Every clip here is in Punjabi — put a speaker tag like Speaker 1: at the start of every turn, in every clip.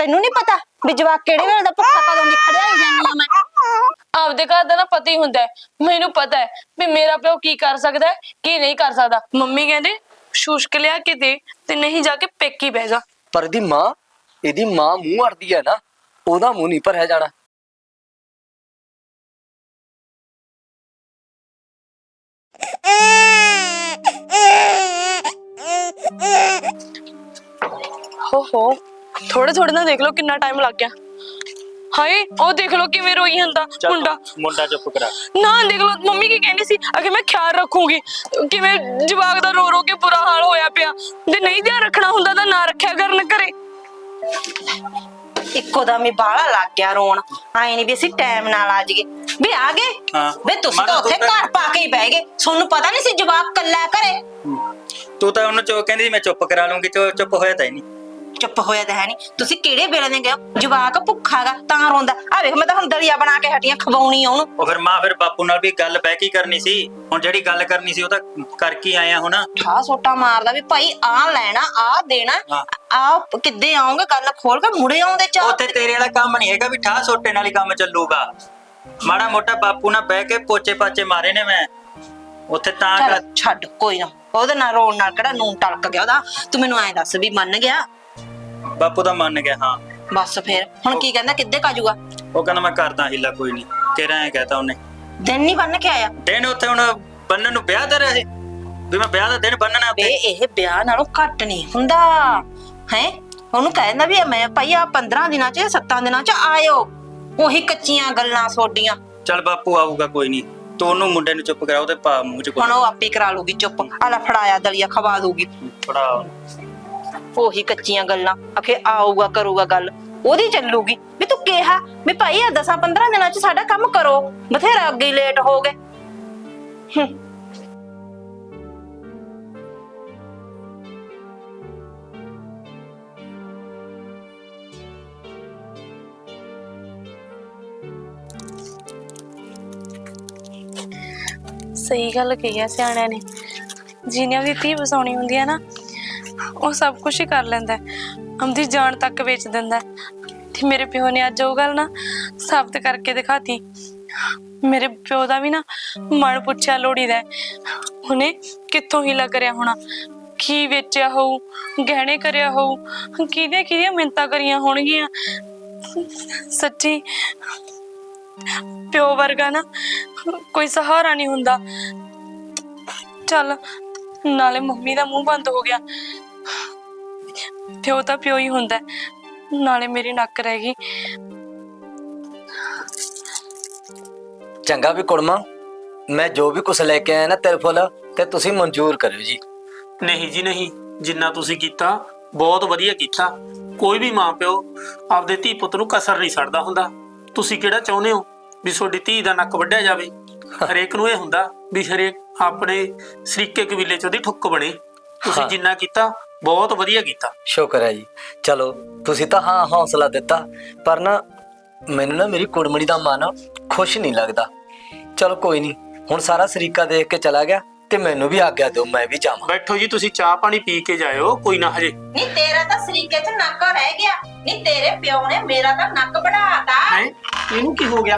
Speaker 1: ਤੈਨੂੰ ਨਹੀਂ ਪਤਾ ਵੀ ਜਵਾਕ ਕਿਹੜੇ ਵੇਲੇ ਦਾ ਭੁੱਖਾ ਕਦੋਂ ਨਿਕਲਿਆ ਹੀ ਜਾਂਦੀ ਆ ਮੈਂ।
Speaker 2: ਆਪਦੇ ਘਰ ਦਾ ਨਾ ਪਤਾ ਹੀ ਹੁੰਦਾ ਮੈਨੂੰ ਪਤਾ ਹੈ ਵੀ ਮੇਰਾ ਪਿਓ ਕੀ ਕਰ ਸਕਦਾ ਹੈ ਕੀ ਨਹੀਂ ਕਰ ਸਕਦਾ। ਮੰਮੀ ਕਹਿੰਦੇ ਸ਼ੂਸ਼ਕ ਲਿਆ ਕੇ ਦੇ ਤੇ ਨਹੀਂ ਜਾ ਕੇ ਪੇਕੀ ਬਹਿ ਜਾ।
Speaker 3: ਪਰ ਇਹਦੀ ਮਾਂ ਮੂੰਹ ਅੜਦੀ ਹੈ ਨਾ, ਉਹਦਾ ਮੂੰਹ ਨਹੀਂ ਭਰਿਆ ਜਾਣਾ।
Speaker 2: ਹੋ ਥੋੜੇ ਥੋੜੇ ਨਾ ਦੇਖ ਲਓ ਕਿੰਨਾ ਟਾਈਮ ਲੱਗ ਗਿਆ। ਹਾਏ ਉਹ ਦੇਖ ਲਓ ਕਿਵੇਂ ਰੋਈ ਜਾਂਦਾ
Speaker 4: ਮੁੰਡਾ ਚੁੱਪ ਕਰਾ।
Speaker 2: ਨਾ ਦੇਖ ਲਓ ਮੰਮੀ ਕੀ ਕਹਿੰਦੀ ਸੀ ਅਗੇ ਮੈਂ ਖਿਆਲ ਰੱਖੂਗੀ, ਕਿਵੇਂ ਜਵਾਕ ਦਾ ਰੋ ਰੋ ਕੇ ਬੁਰਾ ਹਾਲ ਹੋਇਆ ਪਿਆ। ਜੇ ਨਹੀਂ ਧਿਆਨ ਰੱਖਣਾ ਹੁੰਦਾ ਤਾਂ ਨਾ ਰੱਖਿਆ ਕਰਨ ਘਰੇ।
Speaker 1: ਇੱਕੋ ਦਮ ਹੀ ਬਾਹਲਾ ਲੱਗ ਗਿਆ ਰੋਣ। ਆਏ ਨਹੀਂ ਵੀ ਅਸੀਂ ਟਾਈਮ ਨਾਲ ਆ ਜਾਈਏ ਵੀ ਆ ਗਏ। ਵੇ ਤੁਸੀਂ ਤਾਂ ਉੱਥੇ ਘਰ ਪਾ ਕੇ ਹੀ ਬਹਿ ਗਏ, ਤੁਹਾਨੂੰ ਪਤਾ ਨਹੀਂ ਸੀ ਜਵਾਕ ਕੱਲਾ ਘਰੇ।
Speaker 4: ਤੂੰ ਤਾਂ ਉਹਨੂੰ ਕਹਿੰਦੀ ਮੈਂ ਚੁੱਪ ਕਰਾ ਲੂੰਗੀ, ਚੁੱਪ ਹੋਇਆ ਤਾਂ ਹੀ ਨਹੀਂ।
Speaker 1: ਚੁੱਪ ਹੋਇਆ ਤਾਂ ਹੈ ਨਹੀਂ। ਤੁਸੀਂ ਕਿਹੜੇ ਵੇਲੇ ਦੇ ਗਏ ਹੋ? ਜਵਾਕ ਭੁੱਖਾਗਾ ਤਾਂ ਰੋਂਦਾ। ਆ ਵੇਖ ਮੈਂ ਤਾਂ ਹੁਣ ਦਲੀਆ ਬਣਾ ਕੇ ਹਟੀਆਂ ਖਵਾਉਣੀ ਆ ਉਹਨੂੰ।
Speaker 4: ਉਹ ਫਿਰ ਮਾਂ ਫਿਰ ਬਾਪੂ ਨਾਲ ਵੀ ਗੱਲ ਬਹਿ ਕੇ ਕਰਨੀ ਸੀ। ਹੁਣ ਜਿਹੜੀ ਗੱਲ ਕਰਨੀ ਸੀ ਉਹ ਤਾਂ ਕਰਕੇ ਆਇਆ ਹੁਣ।
Speaker 1: ਠਾ ਸੋਟਾ ਮਾਰਦਾ ਵੀ ਭਾਈ ਆ ਲੈਣਾ ਆ ਦੇਣਾ ਆ ਕਿੱਦੇ ਆਉਂਗੇ, ਗੱਲ ਖੋਲ ਕੇ ਮੁੜੇ ਆਉਂਦੇ ਚਾਹ।
Speaker 4: ਉੱਥੇ ਤੇਰੇ ਵਾਲਾ ਕੰਮ ਨਹੀਂ ਹੈਗਾ ਵੀ ਠਾ ਸੋਟੇ ਨਾਲ ਹੀ ਕੰਮ ਚੱਲੂਗਾ। ਮਾੜਾ ਮੋਟਾ ਬਾਪੂ ਨਾਲ ਬਹਿ ਕੇ ਪੋਚੇ ਪਾਚੇ ਮਾਰੇ ਨੇ ਮੈਂ ਉੱਥੇ ਤਾਂ।
Speaker 1: ਛੱਡ ਕੋਈ ਨਾ, ਉਹਦੇ ਨਾਲ ਰੋਣ ਨਾਲ ਕਿਹੜਾ ਨੂਨ ਟਲਕ ਗਿਆ ਉਹਦਾ। ਤੂੰ ਮੈਨੂੰ ਐਂ ਦੱਸ ਵੀ ਮੰਨ ਗਿਆ?
Speaker 4: ਬਾਪੂ ਤਾਂ ਮੰਨ ਗਿਆ ਹਾਂ।
Speaker 1: ਬਸ ਫਿਰ ਹੁਣ ਕੀ ਕਹਿੰਦਾ, ਕਿੱਦੇ ਕਾਜੂਗਾ?
Speaker 4: ਉਹ ਕਹਿੰਦਾ ਮੈਂ ਕਰਦਾ ਹੀਲਾ ਕੋਈ ਨਹੀਂ। ਕਿਹੜਾ ਐ ਕਹਤਾ ਉਹਨੇ।
Speaker 1: ਦਿਨ ਨਹੀਂ ਬੰਨ ਕੇ ਆਇਆ?
Speaker 4: ਦਿਨ ਉੱਥੇ ਹੁਣ ਬੰਨਣ ਨੂੰ ਵਿਆਹ ਦਾ ਰਹੇ ਵੀ ਮੈਂ ਵਿਆਹ ਦਾ ਦਿਨ ਬੰਨਣਾ
Speaker 1: ਵੇ ਇਹ ਵਿਆਹ ਨਾਲੋਂ ਘੱਟ ਨਹੀਂ ਹੁੰਦਾ ਹੈ। ਉਹਨੂੰ ਕਹਿੰਦਾ ਵੀ ਮੈਂ ਭਾਈ ਆ 15 ਦਿਨਾਂ ਚ 7 ਦਿਨਾਂ ਚ ਆਇਓ। ਉਹੀ ਕੱਚੀਆਂ ਗੱਲਾਂ ਸੋਡੀਆਂ।
Speaker 4: ਚੱਲ ਬਾਪੂ ਆਊਗਾ ਕੋਈ ਨਹੀਂ, ਤੂੰ ਉਹਨੂੰ ਮੁੰਡੇ ਨੂੰ ਚੁੱਪ ਕਰਾ, ਉਹਦੇ ਪਾ ਮੂੰਹ ਚ
Speaker 1: ਹੁਣ ਉਹ ਆਪੇ ਕਰਾ ਲੂਗੀ ਚੁੱਪ। ਆਲਾ ਫੜਾਇਆ ਦਲੀਆ ਖਵਾ ਦੂਗੀ।
Speaker 4: ਫੜਾ।
Speaker 1: ਉਹੀ ਕੱਚੀਆਂ ਗੱਲਾਂ ਆਖੇ ਆਊਗਾ ਕਰੂਗਾ ਗੱਲ ਉਹਦੀ ਚੱਲੂਗੀ। ਵੀ ਤੂੰ ਕਿਹਾ ਵੀ ਭਾਈ ਆ 10-15 ਦਿਨਾਂ ਚ ਸਾਡਾ ਕੰਮ ਕਰੋ, ਬਥੇਰਾ ਅੱਗੇ ਹੀ ਲੇਟ ਹੋ ਗਏ।
Speaker 2: ਸਹੀ ਗੱਲ ਕਹੀ ਹੈ ਸਿਆਣਿਆਂ ਨੇ, ਜਿਹਨੇ ਆਪਣੀ ਧੀ ਵਸਾਉਣੀ ਹੁੰਦੀ ਹੈ ਨਾ ਉਹ ਸਭ ਕੁਝ ਹੀ ਕਰ ਲੈਂਦਾ, ਆਪਣੀ ਜਾਨ ਤੱਕ ਵੇਚ ਦਿੰਦਾ। ਤੇ ਮੇਰੇ ਪਿਓ ਨੇ ਅੱਜ ਉਹ ਗੱਲ ਨਾ ਸਾਬਤ ਕਰਕੇ ਦਿਖਾਤੀ। ਮੇਰੇ ਪਿਓ ਦਾ ਵੀ ਨਾ ਮਨ ਪੁੱਛਿਆ ਲੋੜੀ ਦਾ, ਉਹਨੇ ਕਿੱਥੋਂ ਹੀਲਾ ਕਰਿਆ ਹੋਣਾ, ਕੀ ਵੇਚਿਆ ਹੋਊ, ਗਹਿਣੇ ਕਰਿਆ ਹੋਊ, ਕਿਹਦੀਆਂ ਮਿੰਨਤਾਂ ਕਰੀਆਂ ਹੋਣਗੀਆਂ। ਸੱਚੀ ਪਿਓ ਵਰਗਾ ਨਾ ਕੋਈ ਸਹਾਰਾ ਨਹੀਂ ਹੁੰਦਾ। ਚੱਲ ਨਾਲੇ ਮੰਮੀ ਦਾ ਮੂੰਹ ਬੰਦ ਹੋ ਗਿਆ, ਪਿਓ ਤਾਂ ਪਿਓ ਹੀ ਹੁੰਦਾ, ਨਾਲੇ ਮੇਰੀ ਨੱਕ ਰਹਿ ਗਈ।
Speaker 3: ਚੰਗਾ ਵੀ ਕੁੜਮਾ, ਮੈਂ ਜੋ ਵੀ ਕੁਛ ਲੈ ਕੇ ਆਇਆ ਨਾ ਤੇਰੇ ਫੁੱਲ ਤੇ ਤੁਸੀਂ ਮਨਜ਼ੂਰ ਕਰਿਓ ਜੀ।
Speaker 5: ਨਹੀਂ ਜੀ ਨਹੀਂ, ਜਿੰਨਾ ਤੁਸੀਂ ਕੀਤਾ ਬਹੁਤ ਵਧੀਆ ਕੀਤਾ। ਕੋਈ ਵੀ ਮਾਂ ਪਿਓ ਆਪਦੇ ਧੀ ਪੁੱਤ ਨੂੰ ਕਸਰ ਨਹੀਂ ਛੱਡਦਾ ਹੁੰਦਾ। ਤੁਸੀਂ ਕਿਹੜਾ ਚਾਹੁੰਦੇ ਹੋ ਵੀ ਤੁਹਾਡੀ ਧੀ ਦਾ ਨੱਕ ਵੱਢਿਆ ਜਾਵੇ? ਹਰੇਕ ਨੂੰ ਇਹ ਹੁੰਦਾ ਵੀ ਹਰੇਕ ਆਪਣੇ ਸਰੀਕੇ ਕਬੀਲੇ ਚ ਉਹਦੀ ਠੁੱਕ ਬਣੇ। ਤੁਸੀਂ ਜਿੰਨਾ ਕੀਤਾ ਬਹੁਤ ਵਧੀਆ ਕੀਤਾ।
Speaker 3: ਸ਼ੁਕਰ ਹੈ ਜੀ। ਚਲੋ ਤੁਸੀਂ ਤਾਂ ਹਾਂ ਹੌਸਲਾ ਦਿੱਤਾ, ਪਰ ਨਾ ਮੈਨੂੰ ਨਾ ਮੇਰੀ ਕੁੜਮਣੀ ਦਾ ਮਨ ਖੁਸ਼ ਨਹੀਂ ਲੱਗਦਾ। ਚਲੋ ਕੋਈ ਨਹੀਂ, ਹੁਣ ਸਾਰਾ ਸਰੀਕਾ ਦੇਖ ਕੇ ਚਲਾ ਗਿਆ ਤੇ ਮੈਨੂੰ ਵੀ ਆਗਿਆ ਦਿਓ, ਮੈਂ ਵੀ ਜਾਵਾਂ।
Speaker 5: ਬੈਠੋ ਜੀ, ਤੁਸੀਂ ਚਾਹ ਪਾਣੀ ਪੀ ਕੇ ਜਾਇਓ, ਕੋਈ ਨਾ ਹਜੇ।
Speaker 1: ਨਹੀਂ ਤੇਰਾ ਤਾਂ ਸਰੀਕੇ ਚ ਨੱਕ ਰਹਿ ਗਿਆ, ਨਹੀਂ ਤੇਰੇ ਪਿਓ ਨੇ ਮੇਰਾ ਤਾਂ ਨੱਕ ਵਢਾਤਾ।
Speaker 5: ਹੈ ਇਹਨੂੰ ਕੀ ਹੋ ਗਿਆ?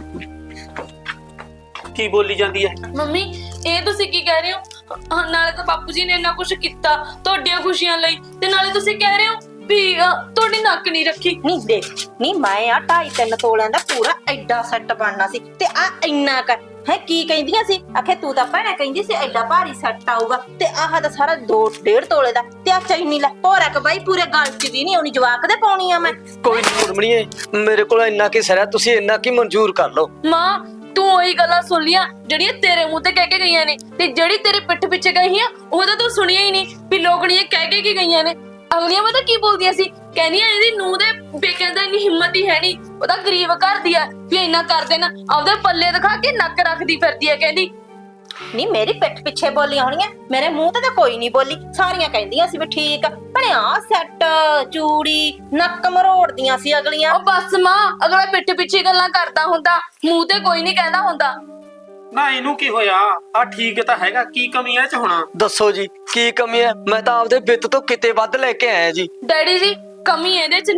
Speaker 5: ਕੀ ਬੋਲੀ ਜਾਂਦੀ ਹੈ?
Speaker 2: ਮੰਮੀ ਇਹ ਤੁਸੀਂ ਕੀ ਕਹਿ ਰਹੇ ਹੋ? ਨਾਲੇ ਤਾਂ ਬਾਪੂ ਜੀ ਨੇ ਇੰਨਾ ਕੁਝ ਕੀਤਾ ਤੁਹਾਡੀਆਂ ਖੁਸ਼ੀਆਂ ਲਈ, ਤੇ ਨਾਲੇ ਤੁਸੀਂ ਕਹਿ ਰਹੇ ਹੋ ਵੀ ਤੁਹਾਡੀ ਨੱਕ ਨਹੀਂ ਰੱਖੀ।
Speaker 1: ਨਹੀਂ ਦੇਖ, ਨਹੀਂ ਮੈਂ ਆ 2.5-3 ਤੋਲਿਆਂ ਦਾ ਪੂਰਾ ਐਡਾ ਸੈੱਟ ਬਣਨਾ ਸੀ ਤੇ ਆ ਇੰਨਾ ਕਰ ਹੈ। ਕੀ ਕਹਿੰਦੀਆਂ ਸੀ? ਆਖੇ ਤੂੰ ਤਾਂ ਭੈਣਾ ਕਹਿੰਦੀ ਸੀ ਐਡਾ ਭਾਰੀ ਸੈੱਟ ਆਊਗਾ, ਤੇ ਆਹ ਤਾਂ ਸਾਰਾ 2.5 ਤੋਲੇ ਦਾ। ਤੇ ਆ ਚੈਨੀ ਲੈ ਭੋਰਾ ਕ ਬਾਈ ਪੂਰੇ ਗਲ ਚ ਦੀ ਨਹੀਂ ਆਉਣੀ, ਜਵਾਕ ਦੇ ਪਾਉਣੀ ਆ ਮੈਂ।
Speaker 3: ਕੋਈ ਨਹੀਂ ਕੁੜਮਣੀਏ, ਮੇਰੇ ਕੋਲ ਇੰਨਾ ਕੀ ਸਰਿਆ, ਤੁਸੀਂ ਇੰਨਾ ਕੀ ਮਨਜ਼ੂਰ ਕਰ ਲਓ।
Speaker 2: ਮਾਂ ਤੂੰ ਉਹੀ ਗੱਲਾਂ ਸੁਣ ਲੀਆਂ ਜਿਹੜੀਆਂ ਤੇਰੇ ਮੂੰਹ ਤੇ ਕਹਿ ਕੇ ਗਈਆਂ ਨੇ, ਤੇ ਜਿਹੜੀ ਤੇਰੇ ਪਿੱਠ ਪਿੱਛੇ ਗਈਆਂ ਉਹਦਾ ਤੂੰ ਸੁਣਿਆ ਹੀ ਨਹੀਂ ਵੀ ਲੋਕਣੀਆਂ ਕਹਿ ਕੇ ਕੀ ਗਈਆਂ ਨੇ। ਅਗਲੀਆਂ ਪਤਾ ਕੀ ਬੋਲਦੀਆਂ ਸੀ? ਕਹਿੰਦੀਆਂ ਇਹਦੀ ਨੂੰਹ ਦੇ ਬੇਕਿਆਂ ਦਾ ਇੰਨੀ ਹਿੰਮਤ ਹੀ ਹੈ ਨਹੀਂ, ਉਹ ਤਾਂ ਗਰੀਬ ਘਰ ਦੀ ਆ ਵੀ ਇੰਨਾ ਕਰ ਦੇਣਾ, ਆਪਦੇ ਪੱਲੇ ਦਿਖਾ ਕੇ ਨੱਕ ਰੱਖਦੀ ਫਿਰਦੀ ਆ। ਕਹਿੰਦੀ
Speaker 1: ਨਹੀਂ ਮੇਰੀ ਪਿੱਠ ਪਿੱਛੇ ਬੋਲੀਆਂ ਹੋਣੀਆਂ, ਮੇਰੇ ਮੂੰਹ ਤੇ ਤਾਂ ਕੋਈ ਨਹੀਂ ਬੋਲੀ। ਸਾਰੀਆਂ ਕਹਿੰਦੀਆਂ ਸੀ ਵੀ ਠੀਕ ਬਣਿਆ ਸੈੱਟ, ਚੂੜੀ, ਨੱਕ ਮਰੋੜਦੀਆਂ ਸੀ ਅਗਲੀਆਂ।
Speaker 2: ਉਹ ਬਸ ਮਾਂ, ਅਗਲਾ ਪਿੱਠ ਪਿੱਛੇ ਗੱਲਾਂ ਕਰਦਾ ਹੁੰਦਾ, ਮੂੰਹ ਤੇ ਕੋਈ ਨਹੀਂ ਕਹਿੰਦਾ ਹੁੰਦਾ।
Speaker 5: ਨਾ ਇਹਨੂੰ ਕੀ ਹੋਇਆ? ਆ ਠੀਕ ਤਾਂ ਹੈਗਾ, ਕੀ ਕਮੀ ਹੈ ਚ ਹੁਣ?
Speaker 3: ਦੱਸੋ ਜੀ ਕੀ ਕਮੀ ਹੈ? ਮੈਂ ਤਾਂ ਆਪਦੇ ਵਿੱਤ ਤੋਂ ਕਿਤੇ ਵੱਧ ਲੈ ਕੇ ਆਇਆ ਜੀ।
Speaker 2: ਡੈਡੀ ਜੀ ਕਮੀ ਇਹਦੇ ਚ ਨਹੀਂ,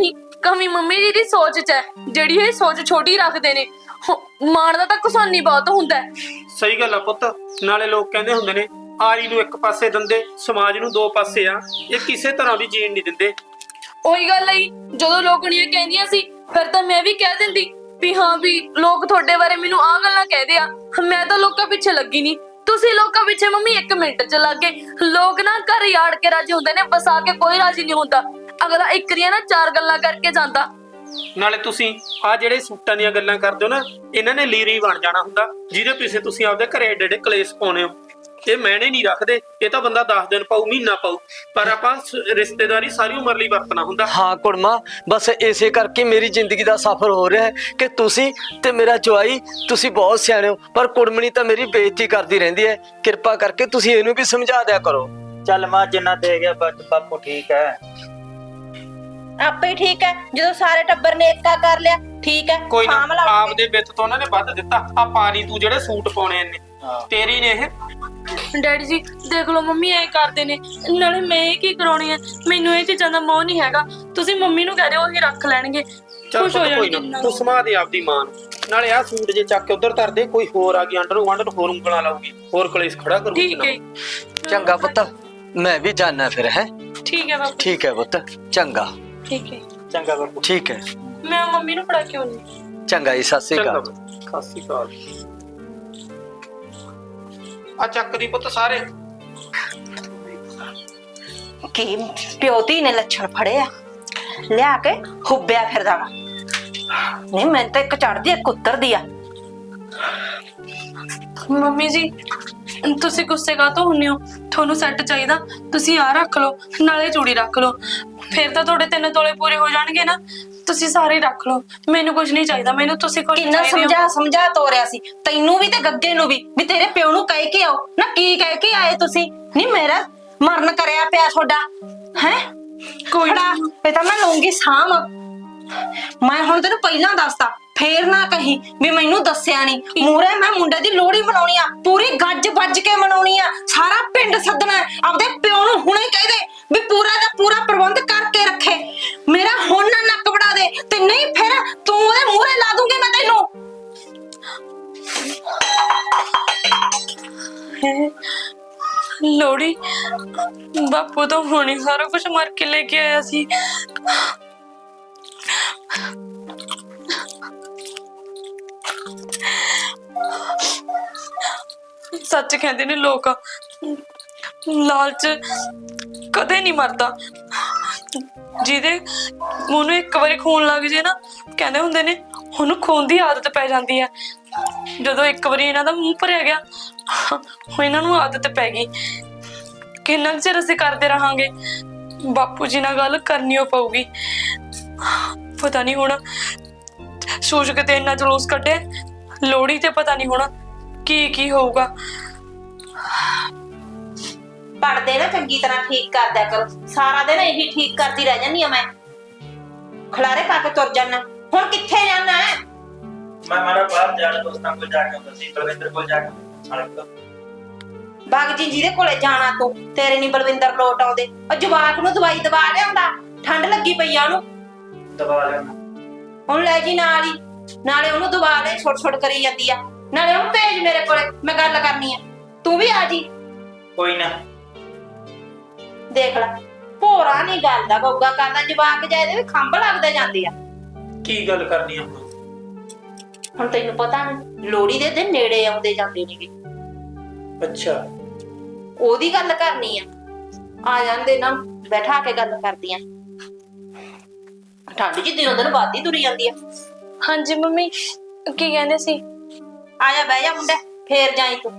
Speaker 2: ਕਮੀ ਮੰਮੀ ਜੀ ਦੀ ਸੋਚ 'ਚ ਹੈ, ਜਿਹੜੀ ਇਹ ਸੋਚ ਛੋਟੀ ਰੱਖਦੇ ਨੇ। ਮਾਣ ਦਾ ਤਾਂ ਕੁਸਾਨੀ ਬਹੁਤ ਹੁੰਦਾ ਹੈ।
Speaker 5: ਸਹੀ ਗੱਲ ਆ ਪੁੱਤ। ਨਾਲੇ ਲੋਕ ਕਹਿੰਦੇ ਹੁੰਦੇ ਨੇ ਆਰੀ ਨੂੰ ਇੱਕ ਪਾਸੇ ਦਿੰਦੇ, ਸਮਾਜ ਨੂੰ ਦੋ ਪਾਸੇ ਆ। ਇਹ ਕਿਸੇ ਤਰ੍ਹਾਂ ਵੀ ਜੀਣ ਨਹੀਂ ਦਿੰਦੇ।
Speaker 2: ਉਹੀ ਗੱਲ ਹੈ, ਜਦੋਂ ਲੋਕਣੀਆਂ ਕਹਿੰਦੀਆਂ ਸੀ ਫਿਰ ਤਾਂ ਮੈਂ ਵੀ ਕਹਿ ਦਿੰਦੀ ਵੀ ਹਾਂ ਵੀ ਲੋਕ ਤੁਹਾਡੇ ਬਾਰੇ ਮੈਨੂੰ ਆਹ ਗੱਲਾਂ ਕਹਿੰਦੇ ਆ। ਮੈਂ ਤਾਂ ਲੋਕਾਂ ਪਿੱਛੇ ਲੱਗੀ ਨਹੀਂ, ਤੁਸੀਂ ਲੋਕਾਂ ਪਿੱਛੇ ਮੰਮੀ 1 ਮਿੰਟ 'ਚ ਲੱਗ ਗਏ। ਲੋਕ ਨਾ ਘਰ ਯਾੜ ਕੇ ਰਾਜੀ ਹੁੰਦੇ ਨੇ, ਵਸਾ ਕੇ ਕੋਈ ਰਾਜੀ ਨਹੀਂ ਹੁੰਦਾ। ਅਗਲਾ ਇੱਕ ਦੀਆਂ ਨਾ 4 ਗੱਲਾਂ ਕਰਕੇ ਜਾਂਦਾ।
Speaker 5: ਨਾਲੇ ਤੁਸੀਂ ਆ ਜਿਹੜੇ ਸੂਟਾਂ ਦੀਆਂ ਗੱਲਾਂ ਕਰਦੇ ਹੋ ਨਾ, ਇਹਨਾਂ ਨੇ ਲੀਰੀ ਬਣ ਜਾਣਾ ਹੁੰਦਾ, ਜਿਹਦੇ ਪਿੱਛੇ ਤੁਸੀਂ ਆਪਦੇ ਘਰੇ ਏਡੇ ਏਡੇ ਕਲੇਸ਼ ਪਾਉਨੇ ਹੋ। ਇਹ ਮੈਨੇ ਨਹੀਂ ਰੱਖਦੇ, ਇਹ ਤਾਂ ਬੰਦਾ 10 ਦਿਨ ਪਾਊ, ਮਹੀਨਾ ਪਾਊ, ਪਰ ਆਪਾਂ ਰਿਸ਼ਤੇਦਾਰੀ ਸਾਰੀ ਉਮਰ ਲਈ ਵਰਤਣਾ ਹੁੰਦਾ।
Speaker 3: ਹਾਂ ਕੁੜਮਾ, ਬਸ ਇਸੇ ਕਰਕੇ ਮੇਰੀ ਜ਼ਿੰਦਗੀ ਦਾ ਸਫ਼ਰ ਹੋ ਰਿਹਾ ਹੈ ਕਿ ਤੁਸੀਂ ਤੇ ਮੇਰਾ ਜਵਾਈ, ਤੁਸੀਂ ਬਹੁਤ ਸਿਆਣੇ ਹੋ, ਪਰ ਕੁੜਮਣੀ ਤਾਂ ਮੇਰੀ ਬੇਇੱਜ਼ਤੀ ਕਰਦੀ ਰਹਿੰਦੀ ਹੈ। ਕਿਰਪਾ ਕਰਕੇ ਤੁਸੀਂ ਇਹਨੂੰ ਵੀ ਸਮਝਾ ਦਿਆ ਕਰੋ।
Speaker 4: ਚੱਲ ਮਾਂ ਜਿੰਨਾ ਦੇ ਗਿਆ ਬਾਪੂ ਠੀਕ ਹੈ।
Speaker 1: ਆਪੇ ਹੀ ਠੀਕ ਹੈ, ਜਦੋਂ ਸਾਰੇ ਟੱਬਰ ਨੇ ਏਕਾ ਕਰ ਲਿਆ ਠੀਕ ਹੈ।
Speaker 5: ਕੋਈ ਨਾ,
Speaker 1: ਸਾਂਭ ਲਾ
Speaker 5: ਆਪਦੇ ਵਿੱਤ ਤੋਂ ਉਹਨਾਂ ਨੇ ਵੱਧ ਦਿੱਤਾ। ਆ ਪਾਣੀ ਤੂੰ ਜਿਹੜੇ ਸੂਟ ਪਾਉਣੇ ਨੇ ਤੇਰੀ ਨੇ ਇਹ।
Speaker 2: ਡੈਡੀ ਜੀ ਦੇਖ ਲਓ ਮੰਮੀ ਐ ਕਰਦੇ ਨੇ, ਨਾਲੇ ਮੈਂ ਇਹ ਕੀ ਕਰਾਉਣੀ ਹੈ? ਮੈਨੂੰ ਇਹ ਚੀਜ਼ਾਂ ਦਾ ਮੋਹ ਨਹੀਂ ਹੈਗਾ। ਤੁਸੀਂ ਮੰਮੀ ਨੂੰ ਕਹਿ ਦਿਓ, ਉਹੀ ਰੱਖ ਲੈਣਗੇ,
Speaker 5: ਚੱਲ
Speaker 2: ਖੁਸ਼ ਹੋ
Speaker 5: ਪੁੱਤ ਕੋਈ
Speaker 2: ਜਾਣਗੇ।
Speaker 5: ਨਾ, ਤੂੰ ਸਮਾ ਦੇ ਆਪਦੀ ਮਾਂ ਨੂੰ। ਨਾਲੇ ਆ ਸੂਟ ਜੇ ਚੱਕ ਕੇ ਉਧਰ ਧਰ ਦੇ, ਕੋਈ ਹੋਰ ਆ ਗਈ ਅੰਡਰ ਵੰਡ ਹੋਰ ਉਂਗਲਾਂ ਲਾਊਗੀ, ਹੋਰ ਕਲੇਸ਼ ਖੜਾ ਕਰੂਗੀ।
Speaker 2: ਠੀਕ ਹੈ
Speaker 3: ਚੰਗਾ ਪੁੱਤ, ਮੈਂ ਵੀ ਜਾਣਾ ਫਿਰ ਹੈ।
Speaker 2: ਠੀਕ ਹੈ ਬਾਪੂ।
Speaker 3: ਠੀਕ ਹੈ ਪੁੱਤ, ਚੰਗਾ।
Speaker 2: ਠੀਕ ਹੈ,
Speaker 4: ਚੰਗਾ ਬਾਪੂ।
Speaker 3: ਠੀਕ ਹੈ,
Speaker 2: ਮੈਂ ਮੰਮੀ ਨੂੰ ਫੜਾ ਕੇ ਆਉਂਦੀ।
Speaker 3: ਚੰਗਾ ਜੀ, ਸਤਿ ਸ੍ਰੀ
Speaker 5: ਚੰਗਾ
Speaker 3: ਅਕਾਲ।
Speaker 5: ਸਤਿ ਸ਼੍ਰੀ ਅਕਾਲ। ਆ ਚੱਕ ਦੀ ਪੁੱਤ ਸਾਰੇ।
Speaker 1: ਕੀ ਪਿਓ ਧੀ ਨੇ ਲੱਛਣ ਫੜੇ ਆ, ਲਿਆ ਕੇ ਹੁੱਬਿਆ ਫਿਰਦਾ ਵਾ। ਨਹੀਂ ਮੈਂ ਤਾਂ ਇੱਕ ਚੜਦੀ ਇੱਕ ਉਤਰਦੀ ਆ।
Speaker 2: ਮੰਮੀ ਜੀ ਤੁਸੀਂ ਗੁੱਸੇ ਕਾਹਤੋਂ ਹੁੰਨੇ ਹੋ? ਤੁਹਾਨੂੰ ਸੈੱਟ ਚਾਹੀਦਾ, ਤੁਸੀਂ ਆ ਰੱਖ ਲਓ, ਨਾਲੇ ਚੂੜੀ ਰੱਖ ਲਓ, ਫਿਰ ਤਾਂ ਤੁਹਾਡੇ 3 ਤੋਲੇ ਪੂਰੇ ਹੋ ਜਾਣਗੇ ਨਾ। ਤੁਸੀਂ ਸਾਰੇ ਰੱਖ ਲਓ, ਮੈਨੂੰ ਕੁਝ ਨਹੀਂ ਚਾਹੀਦਾ। ਮੈਨੂੰ ਤੁਸੀਂ ਕੁਝ
Speaker 1: ਕਿੰਨਾ ਸਮਝਾ ਤੋਰਿਆ ਸੀ ਤੈਨੂੰ ਵੀ ਤੇ ਗੱਗੇ ਨੂੰ ਵੀ ਤੇਰੇ ਪਿਓ ਨੂੰ ਕਹਿ ਕੇ ਆਓ ਨਾ। ਕੀ ਕਹਿ ਕੇ ਆਏ ਤੁਸੀਂ? ਨਹੀਂ ਮੇਰਾ ਮਰਨ ਕਰਿਆ ਪਿਆ ਤੁਹਾਡਾ ਹੈ।
Speaker 2: ਕੋਈ
Speaker 1: ਨਾ ਇਹ ਤਾਂ ਮੈਂ ਲਊਂਗੀ ਸਾਂਭ। ਮੈਂ ਹੁਣ ਤੈਨੂੰ ਪਹਿਲਾਂ ਦੱਸਤਾ, ਫੇਰ ਨਾ ਕਹੀਂ ਵੀ ਮੈਨੂੰ ਦੱਸਿਆ ਨਹੀਂ। ਮੂਰੇ ਮੈਂ ਮੁੰਡੇ ਦੀ ਲੋਹੜੀ ਮਨਾਉਣੀ ਆ, ਪੂਰੀ ਗੱਜ ਵੱਜ ਕੇ ਮਨਾਉਣੀ ਆ। ਸਾਰਾ ਪਿੰਡ ਸੱਦਣਾ, ਆਪਦੇ ਪਿਓ ਨੂੰ ਹੁਣੇ ਕਹਿ ਦੇ ਵੀ ਪੂਰਾ ਦਾ ਪੂਰਾ ਪ੍ਰਬੰਧ ਕਰਕੇ ਰੱਖੇ। ਮੇਰਾ ਹੁਣ ਨਾ ਨੱਕ ਵੜਾ ਦੇ, ਤੇ ਨਹੀਂ ਫਿਰ ਤੂੰ ਉਹਦੇ ਮੂਹਰੇ ਲਾ ਦੂੰਗੀ ਮੈਂ ਤੈਨੂੰ।
Speaker 2: ਲੋੜੀ ਬਾਪੂ ਤਾਂ ਹੁਣੇ ਸਾਰਾ ਕੁਝ ਮਾਰ ਕੇ ਲੈ ਕੇ ਆਇਆ ਸੀ। ਸੱਚ ਕਹਿੰਦੇ ਨੇ ਲੋਕ, ਲਾਲਚ ਕਦੇ ਨਹੀਂ ਮਰਦਾ। ਜਿਹਦੇ ਮੂੰਹ ਨੂੰ ਇੱਕ ਵਾਰੀ ਖੂਨ ਲੱਗ ਜੇ ਨਾ, ਕਹਿੰਦੇ ਹੁੰਦੇ ਨੇ ਉਹਨੂੰ ਖੂਨ ਦੀ ਆਦਤ ਪੈ ਜਾਂਦੀ ਹੈ। ਜਦੋਂ ਇੱਕ ਵਾਰੀ ਇਹਨਾਂ ਦਾ ਮੂੰਹ ਭਰਿਆ ਗਿਆ, ਇਹਨਾਂ ਨੂੰ ਆਦਤ ਪੈ ਗਈ। ਕਿੰਨਾ ਚਿਰ ਅਸੀਂ ਕਰਦੇ ਰਹਾਂਗੇ? ਬਾਪੂ ਜੀ ਨਾਲ ਗੱਲ ਕਰਨੀ ਓ ਪਊਗੀ। ਪਤਾ ਨਹੀਂ ਹੁਣ ਸੂਸ਼ਕ ਤੇ ਇੰਨਾ ਜਲੂਸ ਕੱਢੇ, ਲੋੜੀ ਤੇ ਪਤਾ ਨਹੀਂ ਹੁਣ ਕੀ ਹੋਊਗਾ।
Speaker 1: ਪੜਦੇ ਨਾ ਚੰਗੀ ਤਰ੍ਹਾਂ ਠੀਕ ਕਰ ਦਿਆ ਕਰੋ। ਸਾਰਾ ਦਿਨ ਇਹੀ ਠੀਕ ਕਰਦੀ ਰਹਿ ਜਾਂਦੀ ਆ ਮੈਂ। ਖਲਾਰੇ ਪਾ ਕੇ ਤੁਰ ਜਾਣਾ। ਹੁਣ ਕਿੱਥੇ ਜਾਣਾ ਹੈ?
Speaker 4: ਮੈਂ ਮਾਰਾ ਬਾਹਰ ਜਾਣਾ, ਦੋਸਤਾਂ ਕੋਲ ਜਾ ਕੇ ਆਉਂਦਾ ਸੀ, ਬਲਵਿੰਦਰ ਕੋਲ ਜਾ ਕੇ ਆਉਂਦਾ।
Speaker 1: ਬਾਗ ਜੀ ਜਿਹਦੇ ਕੋਲੇ ਜਾਣਾ ਤੂੰ, ਤੇਰੇ ਨਹੀਂ ਬਲਵਿੰਦਰ ਲੋਟ ਆਉਂਦੇ। ਉਹ ਜਵਾਕ ਨੂੰ ਦਵਾਈ ਦਵਾ ਲਿਆਉਂਦਾ, ਠੰਡ ਲੱਗੀ ਪਈ ਆ ਉਹਨੂੰ।
Speaker 4: ਦਬਾ ਲੈਣਾ
Speaker 1: ਹੁਣ ਲੈ ਜੀ ਨਾਲ ਹੀ, ਨਾਲੇ ਉਹਨੂੰ ਦਵਾ ਲੈ। ਛੋਟ ਕਰੀ ਜਾਂਦੀ ਆ, ਨਾਲੇ ਉਹਨੂੰ ਭੇਜ ਮੇਰੇ ਕੋਲੇ, ਮੈਂ ਗੱਲ ਕਰਨੀ ਆ। ਤੂੰ ਵੀ ਆ ਜੀ।
Speaker 4: ਕੋਈ ਨਾ।
Speaker 1: ਦੇਖ ਲੈ ਭੋਰਾ ਨਹੀਂ ਗੱਲ ਦਾ ਗੋਗਾ ਕਰਦਾ। ਜਵਾਕ ਜਾਇਦੇ ਵੀ ਖੰਭ ਲੱਗਦੇ ਜਾਂਦੇ ਆ।
Speaker 5: ਕੀ ਗੱਲ ਕਰਨੀ ਆ ਹੁਣ?
Speaker 1: ਹੁਣ ਤੈਨੂੰ ਪਤਾ ਨਹੀਂ ਲੋਹੜੀ ਦੇ ਦਿਨ ਨੇੜੇ ਆਉਂਦੇ ਜਾਂਦੇ ਨੇਗੇ।
Speaker 5: ਅੱਛਾ,
Speaker 1: ਉਹਦੀ ਗੱਲ ਕਰਨੀ ਆ ਜਾਂਦੇ ਨਾ, ਬੈਠਾ ਕੇ ਗੱਲ ਕਰਦੀਆਂ। ਠੰਡ ਜੀ ਦਿਨੋਂ ਦਿਨ ਵੱਧਦੀ ਤੁਰੀ ਜਾਂਦੀ ਆ।
Speaker 2: ਹਾਂਜੀ ਮੰਮੀ ਕੀ ਕਹਿੰਦੇ ਸੀ?
Speaker 1: ਆ ਜਾ ਬਹਿ ਜਾ ਮੁੰਡਾ, ਫੇਰ ਜਾਈ ਤੂੰ।